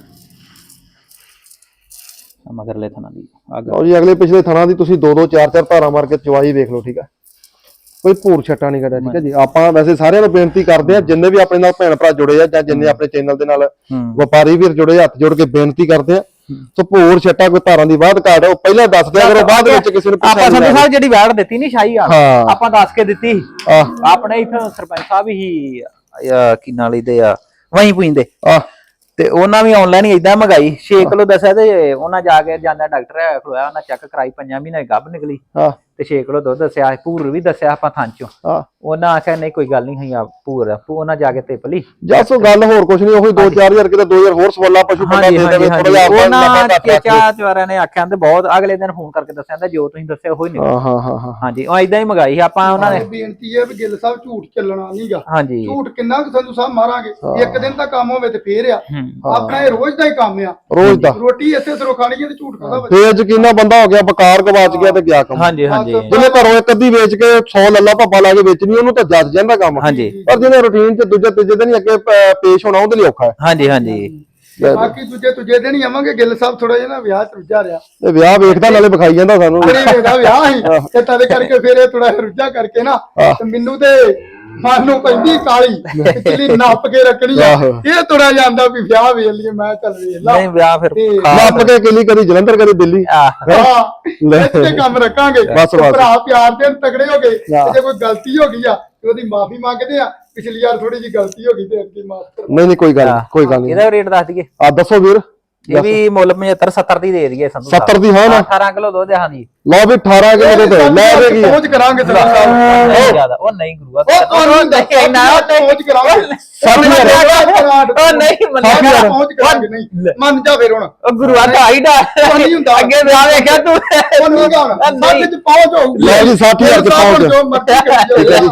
[SPEAKER 2] ਮਗਰਲੇ ਥਣਾ ਦੀ ਅੱਗ।
[SPEAKER 1] ਲਓ ਜੀ ਅਗਲੇ ਪਿਛਲੇ ਥਣਾ ਦੀ ਤੁਸੀਂ ਦੋ ਦੋ ਚਾਰ ਚਾਰ ਧਾਰਾਂ ਮਾਰ ਕੇ ਚਵਾਈ ਵੇਖ ਲਓ, ਠੀਕ ਹੈ। ਕੋਈ ਭੂਰ ਛੱਟਾ ਨਹੀਂ ਕੱਢਿਆ, ਠੀਕ ਹੈ ਜੀ। ਆਪਾਂ ਵੈਸੇ ਸਾਰਿਆਂ ਨੂੰ ਬੇਨਤੀ ਕਰਦੇ ਆ, ਜਿੰਨੇ ਵੀ ਆਪਣੇ ਨਾਲ ਭੈਣ ਭਰਾ ਜੁੜੇ ਆ ਜਾਂ ਜਿੰਨੇ ਆਪਣੇ ਚੈਨਲ ਦੇ ਨਾਲ ਵਪਾਰੀ ਵੀਰ ਜੁੜੇ, ਹੱਥ ਜੋੜ ਕੇ ਬੇਨਤੀ ਕਰਦੇ ਆ, ਸੋ ਭੂਰ ਛੱਟਾ ਕੋਈ ਧਾਰਾਂ ਦੀ ਬਾਤ ਘਾਟ ਉਹ ਪਹਿਲਾਂ ਦੱਸ ਦਿਆ ਕਰੋ, ਬਾਅਦ ਵਿੱਚ ਕਿਸੇ ਨੂੰ
[SPEAKER 2] ਆਪਾਂ ਸੰਧੂ ਸਾਹਿਬ ਜਿਹੜੀ ਵੈੜ ਦਿੱਤੀ ਨਹੀਂ ਸ਼ਾਹੀ ਆ,
[SPEAKER 1] ਹਾਂ।
[SPEAKER 2] ਆਪਾਂ ਦੱਸ ਕੇ ਦਿੱਤੀ।
[SPEAKER 1] ਆਹ
[SPEAKER 2] ਆਪਣੇ ਇੱਥੇ ਸਰਪੰਚ ਸਾਹਿਬ ਹੀ ਕੀ ਨਾਲ ਇਹਦੇ ਆ ਵਹੀਂ ਪੁੰਦੇ
[SPEAKER 1] ਆਹ
[SPEAKER 2] ਤੇ ਉਹਨਾਂ ਵੀ ਆਨਲਾਈਨ ਹੀ ਇਦਾਂ ਮੰਗਾਈ। ਛੇ ਕਿਲੋ ਦੱਸਿਆ ਤੇ ਉਹਨਾਂ ਜਾ ਕੇ ਜਾਂਦਾ ਡਾਕਟਰ ਹੈ ਖਲੋਇਆ, ਉਹਨਾਂ ਚੈੱਕ ਕਰਾਈ, ਪੰਜਾਂ ਮਹੀਨੇ ਗੱਭ ਨਿਕਲੀ
[SPEAKER 1] ਆਹ
[SPEAKER 2] ਤੇ ਛੇ ਕਿਲੋ ਦੁੱਧ ਦੱਸਿਆ। ਭੂਰ ਵੀ ਦੱਸਿਆ ਆਪਾਂ ਥਾਂ ਚੋਂ।
[SPEAKER 1] ਆਹ
[SPEAKER 2] ਉਹਨਾਂ ਆਖਿਆ ਨਹੀਂ ਕੋਈ ਗੱਲ ਨਹੀਂ ਹੈ ਭੂਰ ਉਹਨਾਂ ਜਾ ਕੇ ਤਿਪ ਲਈ।
[SPEAKER 1] ਜਸੋ ਗੱਲ ਹੋਰ ਕੁਛ ਨਹੀਂ, ਉਹੀ ਦੋ ਚਾਰ ਹਜ਼ਾਰ ਕਿਤੇ ਦੋ ਹਜ਼ਾਰ ਹੋਰ ਸਵਾਲਾ ਪਸ਼ੂ ਬੰਦਾ ਦੇ ਦੇਵੇ ਥੋੜਾ ਜਿਹਾ ਆਪਾਂ
[SPEAKER 2] ਉਹਨਾਂ ਚੇਚਾ ਚਵਾਰਿਆਂ ਨੇ ਆਖਿਆ ਤੇ ਬਹੁਤ ਅਗਲੇ ਦਿਨ ਫੋਨ ਕਰਕੇ ਦੱਸਿਆ ਤੇ ਜੋ ਤੁਸੀਂ ਦੱਸਿਆ ਉਹੀ ਨਿਕਲਿਆ।
[SPEAKER 1] ਹਾਂ ਹਾਂ ਹਾਂ ਹਾਂ
[SPEAKER 2] ਹਾਂਜੀ ਉਹ ਇਦਾਂ ਹੀ ਮੰਗਾਈ ਆਪਾਂ ਉਹਨਾਂ ਨੇ।
[SPEAKER 3] ਬੇਨਤੀ ਹੈ ਵੀ ਗਿੱਲ ਸਾਹਿਬ ਝੂਠ ਚੱਲਣਾ ਨਹੀਂਗਾ।
[SPEAKER 2] ਹਾਂਜੀ
[SPEAKER 3] ਝੂਠ ਕਿੰਨਾ ਕੁ ਸੰਧੂ ਸਾਹਿਬ ਮਾਰਾਂਗੇ? ਇੱਕ ਦਿਨ ਦਾ ਕੰਮ ਹੋਵੇ ਤੇ ਫੇਰ ਆ।
[SPEAKER 2] ਹੂੰ
[SPEAKER 3] ਆਪਣਾ ਇਹ ਰੋਜ਼ ਦਾ ਹੀ ਕੰਮ ਆ,
[SPEAKER 1] ਰੋਜ਼ ਦਾ।
[SPEAKER 3] ਰੋਟੀ ਇੱਥੇ ਸਿਰੋਂ ਖਾਣੀ ਹੈ ਤੇ ਝੂਠ ਖਾਦਾ ਬੱਚਾ।
[SPEAKER 1] ਫੇਰ ਯਕੀਨਾ ਬੰਦਾ ਹੋ ਗਿਆ, ਬਕਾਰ ਗਵਾਚ ਗਿਆ ਤੇ ਗਿਆ ਕੰਮ।
[SPEAKER 2] ਹਾਂਜੀ ਹਾਂਜੀ
[SPEAKER 1] ਜਿਹਨੇ ਘਰੋਂ ਇੱਕ ਅੱਧੀ ਵੇਚ ਕੇ ਸੌ ਲੱਲਾ ਭੱਪਾ ਲਾ ਕੇ ਵੇਚਣੀ, ਉਹਨੂੰ ਤਾਂ ਜੱਜ ਜਾਂਦਾ ਕੰਮ।
[SPEAKER 2] ਹਾਂਜੀ
[SPEAKER 1] ਪਰ ਜਿਹਨੇ ਰੂਟੀਨ ਚ ਦੂਜੇ ਤੀਜੇ ਦਿਨ ਹੀ ਅੱਗੇ ਪ- ਪੇਸ਼ ਹੋਣਾ, ਉਹਦੇ ਲਈ ਔਖਾ ਹੈ।
[SPEAKER 2] ਹਾਂਜੀ ਹਾਂਜੀ
[SPEAKER 3] ਬਾਕੀ ਦੂਜੇ ਤੁਜੇ ਦਿਨ ਹੀ ਆਵਾਂਗੇ। ਗਿੱਲ ਸਾਹਿਬ ਥੋੜਾ ਜਿਹਾ ਨਾ ਵਿਆਹ ਚ ਰੁੱਝਾ ਰਿਹਾ,
[SPEAKER 1] ਇਹ ਵਿਆਹ ਵੇਖਦਾ ਨਾਲੇ ਵਿਖਾਈ ਜਾਂਦਾ ਸਾਨੂੰ।
[SPEAKER 3] ਅਰੇ ਵੇਖਦਾ ਵਿਆਹ ਹੀ ਤੇ ਤਦੇ ਕਰਕੇ ਫੇਰ ਇਹ ਥੋੜਾ ਰੁੱਝਾ ਕਰਕੇ ਨਾ ਤੇ ਮੈਨੂੰ ਤੇ ਮਨ ਨੂੰ ਪੈਂਦੀ ਕਾਲੀ ਪਿਛਲੀ ਨੱਪ ਕੇ ਰੱਖਣੀ ਆ। ਇਹ ਤੁਰਿਆ ਜਾਂਦਾ ਵੀ ਵਿਆਹ ਵੇਖ ਲਈਏ। ਮੈਂ ਚੱਲ ਵੇਖ ਲਾ
[SPEAKER 2] ਨਹੀਂ ਵਿਆਹ ਫਿਰ
[SPEAKER 1] ਨੱਪ ਕੇ ਕਿਲੀ ਕਦੀ ਜਲੰਧਰ ਕਦੀ ਦਿੱਲੀ।
[SPEAKER 2] ਆਹ
[SPEAKER 3] ਹਾਂ ਇੱਥੇ ਕੰਮ ਰੱਖਾਂਗੇ।
[SPEAKER 1] ਬਸ, ਬਸ।
[SPEAKER 3] ਭਰਾ ਪਿਆਰ ਦੇ ਤਗੜੇ ਹੋ ਗਏ। ਜੇ ਕੋਈ ਗਲਤੀ ਹੋ ਗਈ ਆ ਤੇ ਉਹਦੀ ਮਾਫੀ ਮੰਗਦੇ ਆ। ਪਿਛਲੀ ਵਾਰ ਥੋੜੀ ਜੀ ਗਲਤੀ ਹੋ ਗਈ ਤੇ ਅੱਗੇ ਮਾਫ ਕਰ।
[SPEAKER 1] ਨਹੀਂ ਨਹੀਂ ਕੋਈ ਗੱਲ ਨੀ, ਕੋਈ ਗੱਲ ਨਹੀਂ।
[SPEAKER 2] ਇਹਦਾ ਰੇਟ ਦੱਸ ਦਈਏ।
[SPEAKER 1] ਆ ਦੱਸੋ ਵੀਰ।
[SPEAKER 2] ਇਹ ਵੀ ਮੁੱਲ ਪਝੱਤਰ ਸੱਤਰ ਦੀ ਦੇ ਦਈਏ ਸੰਧੂ
[SPEAKER 1] ਸੱਤਰ ਦੀ ਹੈ ਨਾ?
[SPEAKER 2] ਅਠਾਰਾਂ ਕਿਲੋ ਦੁੱਧ ਆ। ਹਾਂਜੀ
[SPEAKER 1] ਲਓ ਵੀ ਅਠਾਰਾਂ ਕਿਲੋ ਦੇ ਲੈ ਦੇਗੀ।
[SPEAKER 3] ਪਹੁੰਚ ਕਰਾਂਗੇ ਸਰਦਾਰ ਸਾਹਿਬ।
[SPEAKER 2] ਨਹੀਂ ਜ਼ਿਆਦਾ ਉਹ ਨਹੀਂ ਗੁਰੂਆ
[SPEAKER 3] ਉਹ ਤੁਹਾਨੂੰ ਨਹੀਂ ਨਾ ਪਹੁੰਚ ਕਰਾਂਗੇ।
[SPEAKER 1] ਸੱਠ ਹਜ਼ਾਰ
[SPEAKER 2] ਉਹ ਨਹੀਂ ਮੰਨਿਆ
[SPEAKER 3] ਪਹੁੰਚ ਕਰਾਂਗੇ। ਨਹੀਂ ਮੰਨ ਜਾ ਫੇਰ ਹੁਣ।
[SPEAKER 2] ਉਹ ਗੁਰੂਆ ਢਾਈ ਡਾ
[SPEAKER 3] ਨਹੀਂ ਹੁੰਦਾ।
[SPEAKER 2] ਅੱਗੇ ਵਿਆਹ ਵੇਖਿਆ ਤੂੰ
[SPEAKER 3] ਉਹ ਨਹੀਂ ਗਾਉਣਾ। ਸੱਠ ਚ ਪਹੁੰਚ ਹੋਊਗੀ।
[SPEAKER 1] ਲੈ ਜੀ ਸੱਠ ਹਜ਼ਾਰ ਚ ਪਹੁੰਚ।
[SPEAKER 3] ਜੋ ਮਰਜ਼ੀ ਕਰੀ ਜਾਓ।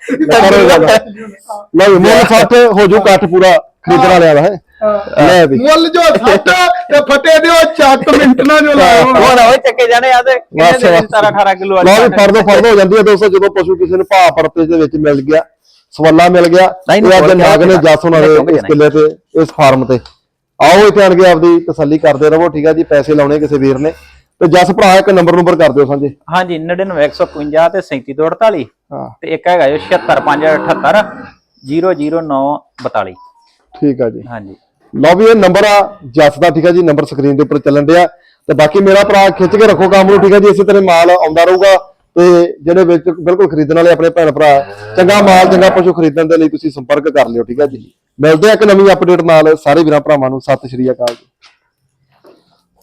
[SPEAKER 1] ਕਰੋ ਗੱਲ। ਲਓ ਜੀ ਮੁੱਲ ਸੱਠ ਹੋ ਜੂ, ਕੱਠ ਪੂਰਾ ਖਰੀਦਣ ਵਾਲਿਆਂ ਦਾ ਹੈ। ਲੈ ਵੀ
[SPEAKER 3] ਮੁੱਲ ਜੋ ਸੱਠ ਤੇ ਫਟੇ ਦਿਓ ਚੱਕ ਮਿੰਟ ਨਾਲ ਜੋ ਲਾਇਆ ਹੋਣਾ।
[SPEAKER 2] ਹੋਰ ਹੋਏ ਚੱਕੇ ਜਾਣੇ ਆ ਤੇ ਕਿੰਨੇ ਦੇ ਸਤਾਰਾਂ ਅਠਾਰਾਂ ਕਿਲੋ ਵਾਲੀ।
[SPEAKER 1] ਲਓ ਵੀ ਫਰਦੋ ਫਰਦ ਹੋ ਜਾਂਦੀ ਹੈ ਦੋਸਤੋ। ਜਦੋਂ ਪਸ਼ੂ ਕਿਸੇ ਨੂੰ ਭਾਅ ਪਰਤੇ ਦੇ ਵਿੱਚ ਮਿਲ ਗਿਆ, ਸਵਾਲਾ ਮਿਲ ਗਿਆ,
[SPEAKER 2] ਨਹੀਂ,
[SPEAKER 1] ਇਹ ਅੱਜ
[SPEAKER 2] ਨਹੀਂ,
[SPEAKER 1] ਨਾਗ ਨੇ
[SPEAKER 2] ਨਹੀਂ,
[SPEAKER 1] ਜੱਸ ਹੋਣਾ
[SPEAKER 2] ਨਹੀਂ,
[SPEAKER 1] ਦੇ ਇਸ ਕਿੱਲੇ ਤੇ, ਇਸ ਫਾਰਮ ਤੇ ਆਓ ਇੱਥੇ ਆਣ ਕੇ ਆਪਦੀ ਤਸੱਲੀ ਕਰਦੇ ਰਹੋ। ਠੀਕ ਆ ਜੀ, ਪੈਸੇ ਲਾਉਣੇ ਕਿਸੇ ਵੀਰ ਨੇ ਤੇ ਜਸ ਭਰਾ ਇੱਕ ਨੰਬਰ ਨੰਬਰ ਕਰ ਦਿਓ ਸਾਂਝੇ।
[SPEAKER 2] ਹਾਂਜੀ ਨੜਿਨਵੇਂ ਇੱਕ ਸੌ ਇਕਵੰਜਾ ਤੇ ਸੈਂਤੀ ਦੋ ਅੜਤਾਲੀ
[SPEAKER 1] ਹਾਂ
[SPEAKER 2] ਤੇ ਇੱਕ ਹੈਗਾ ਜੋ ਛਿਅੱਤਰ ਪੰਜ ਅਠੱਤਰ ਜ਼ੀਰੋ ਜ਼ੀਰੋ ਨੌ ਬਤਾਲੀ।
[SPEAKER 1] ਠੀਕ ਆ ਜੀ,
[SPEAKER 2] ਹਾਂਜੀ
[SPEAKER 1] ਲਓ ਵੀ ਇਹ ਨੰਬਰ ਆ ਜਸ ਦਾ। ਠੀਕ ਆ ਜੀ, ਨੰਬਰ ਸਕਰੀਨ ਦੇ ਉੱਪਰ ਚੱਲਣ ਡਿਆ ਤੇ ਬਾਕੀ ਮੇਰਾ ਭਰਾ ਖਿੱਚ ਕੇ ਰੱਖੋ ਕੰਮ ਨੂੰ। ਠੀਕ ਆ ਜੀ, ਇਸੇ ਤਰ੍ਹਾਂ ਮਾਲ ਆਉਂਦਾ ਰਹੂਗਾ ਤੇ ਜਿਹੜੇ ਵਿੱਚ ਬਿਲਕੁਲ ਖਰੀਦਣ ਵਾਲੇ ਆਪਣੇ ਭੈਣ ਭਰਾ ਚੰਗਾ ਮਾਲ ਚੰਗਾ ਪਸ਼ੂ ਖਰੀਦਣ ਦੇ ਲਈ ਤੁਸੀਂ ਸੰਪਰਕ ਕਰ ਲਿਓ। ਠੀਕ ਆ ਜੀ, ਮਿਲਦੇ ਆ ਇੱਕ ਨਵੀਂ ਅਪਡੇਟ ਨਾਲ ਸਾਰੇ ਵੀਰਾਂ ਭਰਾਵਾਂ ਨੂੰ। ਸਤਿ ਸ਼੍ਰੀ ਅਕਾਲ ਜੀ।